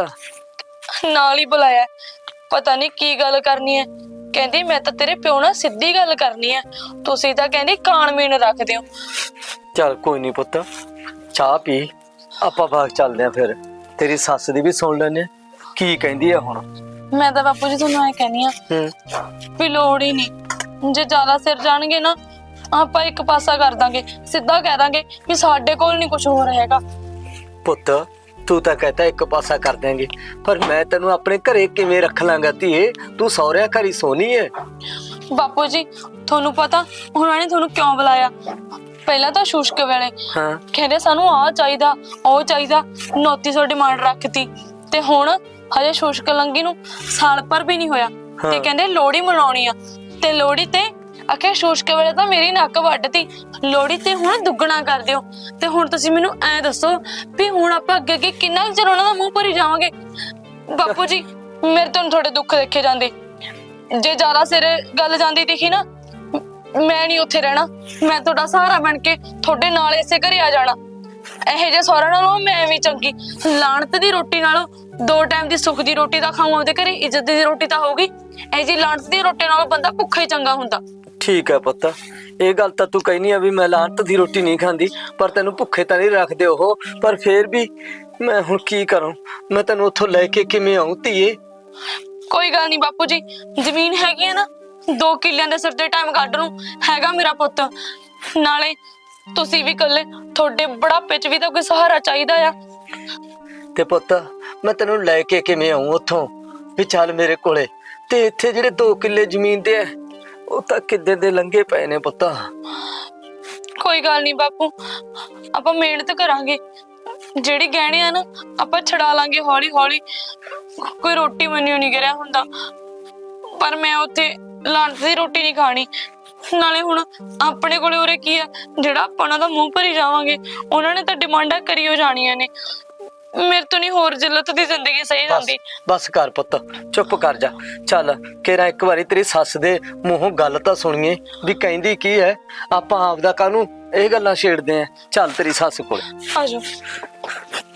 Speaker 2: ਨਾਲ ਹੀ ਬੁਲਾਇਆ, ਪਤਾ ਨਹੀਂ ਕੀ ਗੱਲ ਕਰਨੀ ਹੈ। ਕਹਿੰਦੀ ਮੈਂ ਤਾਂ ਤੇਰੇ ਪਿਓ ਨਾਲ ਸਿੱਧੀ ਗੱਲ ਕਰਨੀ ਹੈ, ਤੁਸੀਂ ਤਾਂ ਕਹਿੰਦੀ ਕਾਣ ਮੀਣ ਰੱਖਦੇ ਹੋ।
Speaker 3: ਚੱਲ ਕੋਈ ਨਹੀਂ ਪੁੱਤ, ਚਾਹ ਪੀ, ਆਪਾਂ ਬਾਗ ਚੱਲਦੇ ਆ। ਫਿਰ ਤੇਰੀ ਸੱਸ ਦੀ ਵੀ ਸੁਣ ਲੈਨੇ ਕੀ ਕਹਿੰਦੀ ਆ ਹੁਣ।
Speaker 2: ਮੈਂ ਤਾਂ ਬਾਪੂ ਜੀ ਤੁਹਾਨੂੰ ਐ ਕਹਿੰਦੀ ਆ ਵੀ ਲੋੜ ਹੀ ਨਹੀਂ, ਜੇ ਜ਼ਿਆਦਾ ਸਿਰ ਜਾਣਗੇ ਨਾ ਆਪਾਂ ਇੱਕ ਪਾਸਾ ਕਰ ਦਾਂਗੇ, ਸਿੱਧਾ ਕਹਿ ਦਾਂਗੇ ਵੀ ਸਾਡੇ ਕੋਲ ਨਹੀਂ ਕੁਝ ਹੋ ਰਿਹਾ ਹੈਗਾ।
Speaker 3: ਪੁੱਤ ਤੂੰ ਤਾਂ ਕਹਤਾ ਇੱਕ ਪਾਸਾ ਕਰ ਦੇਂਗੇ, ਪਰ ਮੈਂ ਤੈਨੂੰ ਆਪਣੇ ਘਰੇ ਕਿਵੇਂ ਰੱਖ ਲਾਂਗਾ ਧੀਏ? ਤੂੰ ਸਹੁਰਿਆਂ ਘਰ ਹੀ ਸੋਹਣੀ ਏ।
Speaker 2: ਬਾਪੂ ਜੀ ਤੁਹਾਨੂੰ ਪਤਾ ਉਹਨਾਂ ਨੇ ਤੁਹਾਨੂੰ ਕਿਉਂ ਬੁਲਾਇਆ? ਪਹਿਲਾਂ ਤਾਂ ਸ਼ੁਸ਼ਕ ਵੇਲੇ ਕਹਿੰਦੇ ਸਾਨੂੰ ਆਹ ਚਾਹੀਦਾ ਉਹ ਚਾਹੀਦਾ, ਨੋਤੀ ਸੌ ਡਿਮਾਂਡ ਰੱਖਤੀ। ਤੇ ਹੁਣ ਹਜੇ ਸ਼ੁਸ਼ਕ ਲੰਗੀ ਨੂੰ ਸਾਲ ਭਰ ਵੀ ਨਹੀਂ ਹੋਇਆ ਤੇ ਕਹਿੰਦੇ ਲੋਹੜੀ ਮਨਾਉਣੀ ਆ। ਤੇ ਲੋਹੜੀ ਤੇ ਆਖਿਆ ਸ਼ੁਸ਼ਕ ਵੇਲੇ ਤਾਂ ਮੇਰੀ ਨੱਕ ਵੱਢਤੀ, ਲੋਹੜੀ ਤੇ ਹੁਣ ਦੁੱਗਣਾ ਕਰ ਦਿਓ। ਤੇ ਹੁਣ ਤੁਸੀਂ ਮੈਨੂੰ ਐ ਦੱਸੋ ਵੀ ਹੁਣ ਆਪਾਂ ਅੱਗੇ ਅੱਗੇ ਕਿੰਨਾ ਚਿਰ ਉਹਨਾਂ ਦਾ ਮੂੰਹ ਭਰੀ ਜਾਵਾਂਗੇ? ਬਾਪੂ ਜੀ ਮੇਰੇ ਤੋਂ ਥੋੜੇ ਦੁੱਖ ਦੇਖੇ ਜਾਂਦੇ, ਜੇ ਜ਼ਿਆਦਾ ਸਿਰ ਗੱਲ ਜਾਂਦੀ ਦਿਖੀ ਨਾ ਮੈਂ ਨਹੀਂ ਉੱਥੇ ਰਹਿਣਾ। ਮੈਂ ਤੁਹਾਡਾ ਸਹਾਰਾ ਬਣ ਕੇ ਤੁਹਾਡੇ ਨਾਲ ਇਸੇ ਘਰੇ ਆ ਜਾਣਾ। ਇਹੋ ਜਿਹੇ ਸਹੁਰਾ ਨਾਲੋਂ ਮੈਂ ਵੀ ਚੰਗੀ, ਲਾਣਤ ਦੀ ਰੋਟੀ ਨਾਲੋਂ 2 ਟਾਈਮ ਦੀ ਸੁੱਖ ਦੀ ਰੋਟੀ ਤਾਂ ਖਾਊਂ ਆਪਦੇ ਘਰੇ, ਇੱਜ਼ਤ ਦੀ ਰੋਟੀ ਤਾਂ ਹੋਊਗੀ। ਇਹ ਜੀ ਲਾਣਤ ਦੀ ਰੋਟੀ ਨਾਲੋਂ ਬੰਦਾ ਭੁੱਖਾ ਹੀ ਚੰਗਾ ਹੁੰਦਾ।
Speaker 3: ਠੀਕ ਹੈ ਪੁੱਤ, ਇਹ ਗੱਲ ਤਾਂ ਤੂੰ ਕਹਿਨੀ ਆ ਵੀ ਮੈਂ ਲਾਂਤ ਦੀ ਰੋਟੀ ਨਹੀਂ ਖਾਂਦੀ, ਪਰ ਤੈਨੂੰ ਭੁੱਖੇ ਤਾਂ ਨਹੀਂ ਰੱਖਦੇ ਉਹ। ਪਰ ਫੇਰ ਵੀ ਮੈਂ ਹੁਣ ਕੀ ਕਰਾਂ? ਮੈਂ ਤੈਨੂੰ ਉੱਥੋਂ ਲੈ ਕੇ ਕਿਵੇਂ ਆਉਂ ਧੀਏ?
Speaker 2: ਕੋਈ ਗੱਲ ਨਹੀਂ ਬਾਪੂ ਜੀ, ਜ਼ਮੀਨ ਹੈਗੀ ਹੈ ਨਾ, 2 ਕਿੱਲਿਆਂ ਦੇ ਸਿਰ ਤੇ ਟਾਈਮ ਕੱਢ ਨੂੰ ਹੈਗਾ ਮੇਰਾ ਪੁੱਤ। ਨਾਲੇ ਤੁਸੀਂ ਵੀ ਇਕੱਲੇ, ਤੁਹਾਡੇ ਬੁਢਾਪੇ 'ਚ ਵੀ ਤਾਂ ਕੋਈ ਸਹਾਰਾ ਚਾਹੀਦਾ ਆ।
Speaker 3: ਤੇ ਪੁੱਤ ਮੈਂ ਤੈਨੂੰ ਲੈ ਕੇ ਕਿਵੇਂ ਆਉਂ ਉੱਥੋਂ? ਵੀ ਚੱਲ ਮੇਰੇ ਕੋਲੇ। ਤੇ ਇੱਥੇ ਜਿਹੜੇ 2 ਕਿੱਲੇ ਜ਼ਮੀਨ ਦੇ ਆ, ਉਹ ਤਾਂ ਕਿੱਦੇ ਦੇ ਲੰਘੇ ਪਏ ਨੇ ਪੁੱਤ।
Speaker 2: ਕੋਈ ਗੱਲ ਨਹੀਂ ਬਾਪੂ, ਆਪਾਂ ਮਿਹਨਤ ਕਰਾਂਗੇ। ਜਿਹੜੀ ਗਹਿਣੇ ਆ ਨਾ ਆਪਾਂ ਛਡਾ ਲਾਂਗੇ ਹੌਲੀ ਹੌਲੀ। ਕੋਈ ਰੋਟੀ ਮੈਨੂੰ ਨਹੀਂ ਗਿਰਿਆ ਹੁੰਦਾ, ਪਰ ਮੈਂ ਉੱਥੇ ਲਾਂਟ ਦੀ ਰੋਟੀ ਨਹੀਂ ਖਾਣੀ। ਨਾਲੇ ਹੁਣ ਆਪਣੇ ਕੋਲੇ ਉਰੇ ਕੀ ਆ ਜਿਹੜਾ ਆਪਾਂ ਉਹਨਾਂ ਦਾ ਮੂੰਹ ਭਰੀ ਜਾਵਾਂਗੇ? ਉਹਨਾਂ ਨੇ ਤਾਂ ਡਿਮਾਂਡਾਂ ਕਰੀ ਹੋ ਜਾਣੀਆਂ ਨੇ। ਮੇਰੇ ਤੋਂ ਨਹੀਂ ਹੋਰ ਜਿੱਲਤ ਦੀ ਜ਼ਿੰਦਗੀ ਸਹੀ ਜਾਂਦੀ।
Speaker 3: ਬਸ ਕਰ ਪੁੱਤ, ਚੁੱਪ ਕਰ ਜਾ। ਚੱਲ ਕੇਰਾ ਇੱਕ ਵਾਰੀ ਤੇਰੀ ਸੱਸ ਦੇ ਮੂੰਹੋਂ ਗੱਲ ਤਾਂ ਸੁਣੀਏ ਵੀ ਕਹਿੰਦੀ ਕੀ ਹੈ। ਆਪਾਂ ਆਪਦਾ ਕਾਹਨੂੰ ਇਹ ਗੱਲਾਂ ਛੇੜਦੇ ਆ? ਚੱਲ ਤੇਰੀ ਸੱਸ ਕੋਲ।
Speaker 2: ਆ ਜਾਓ।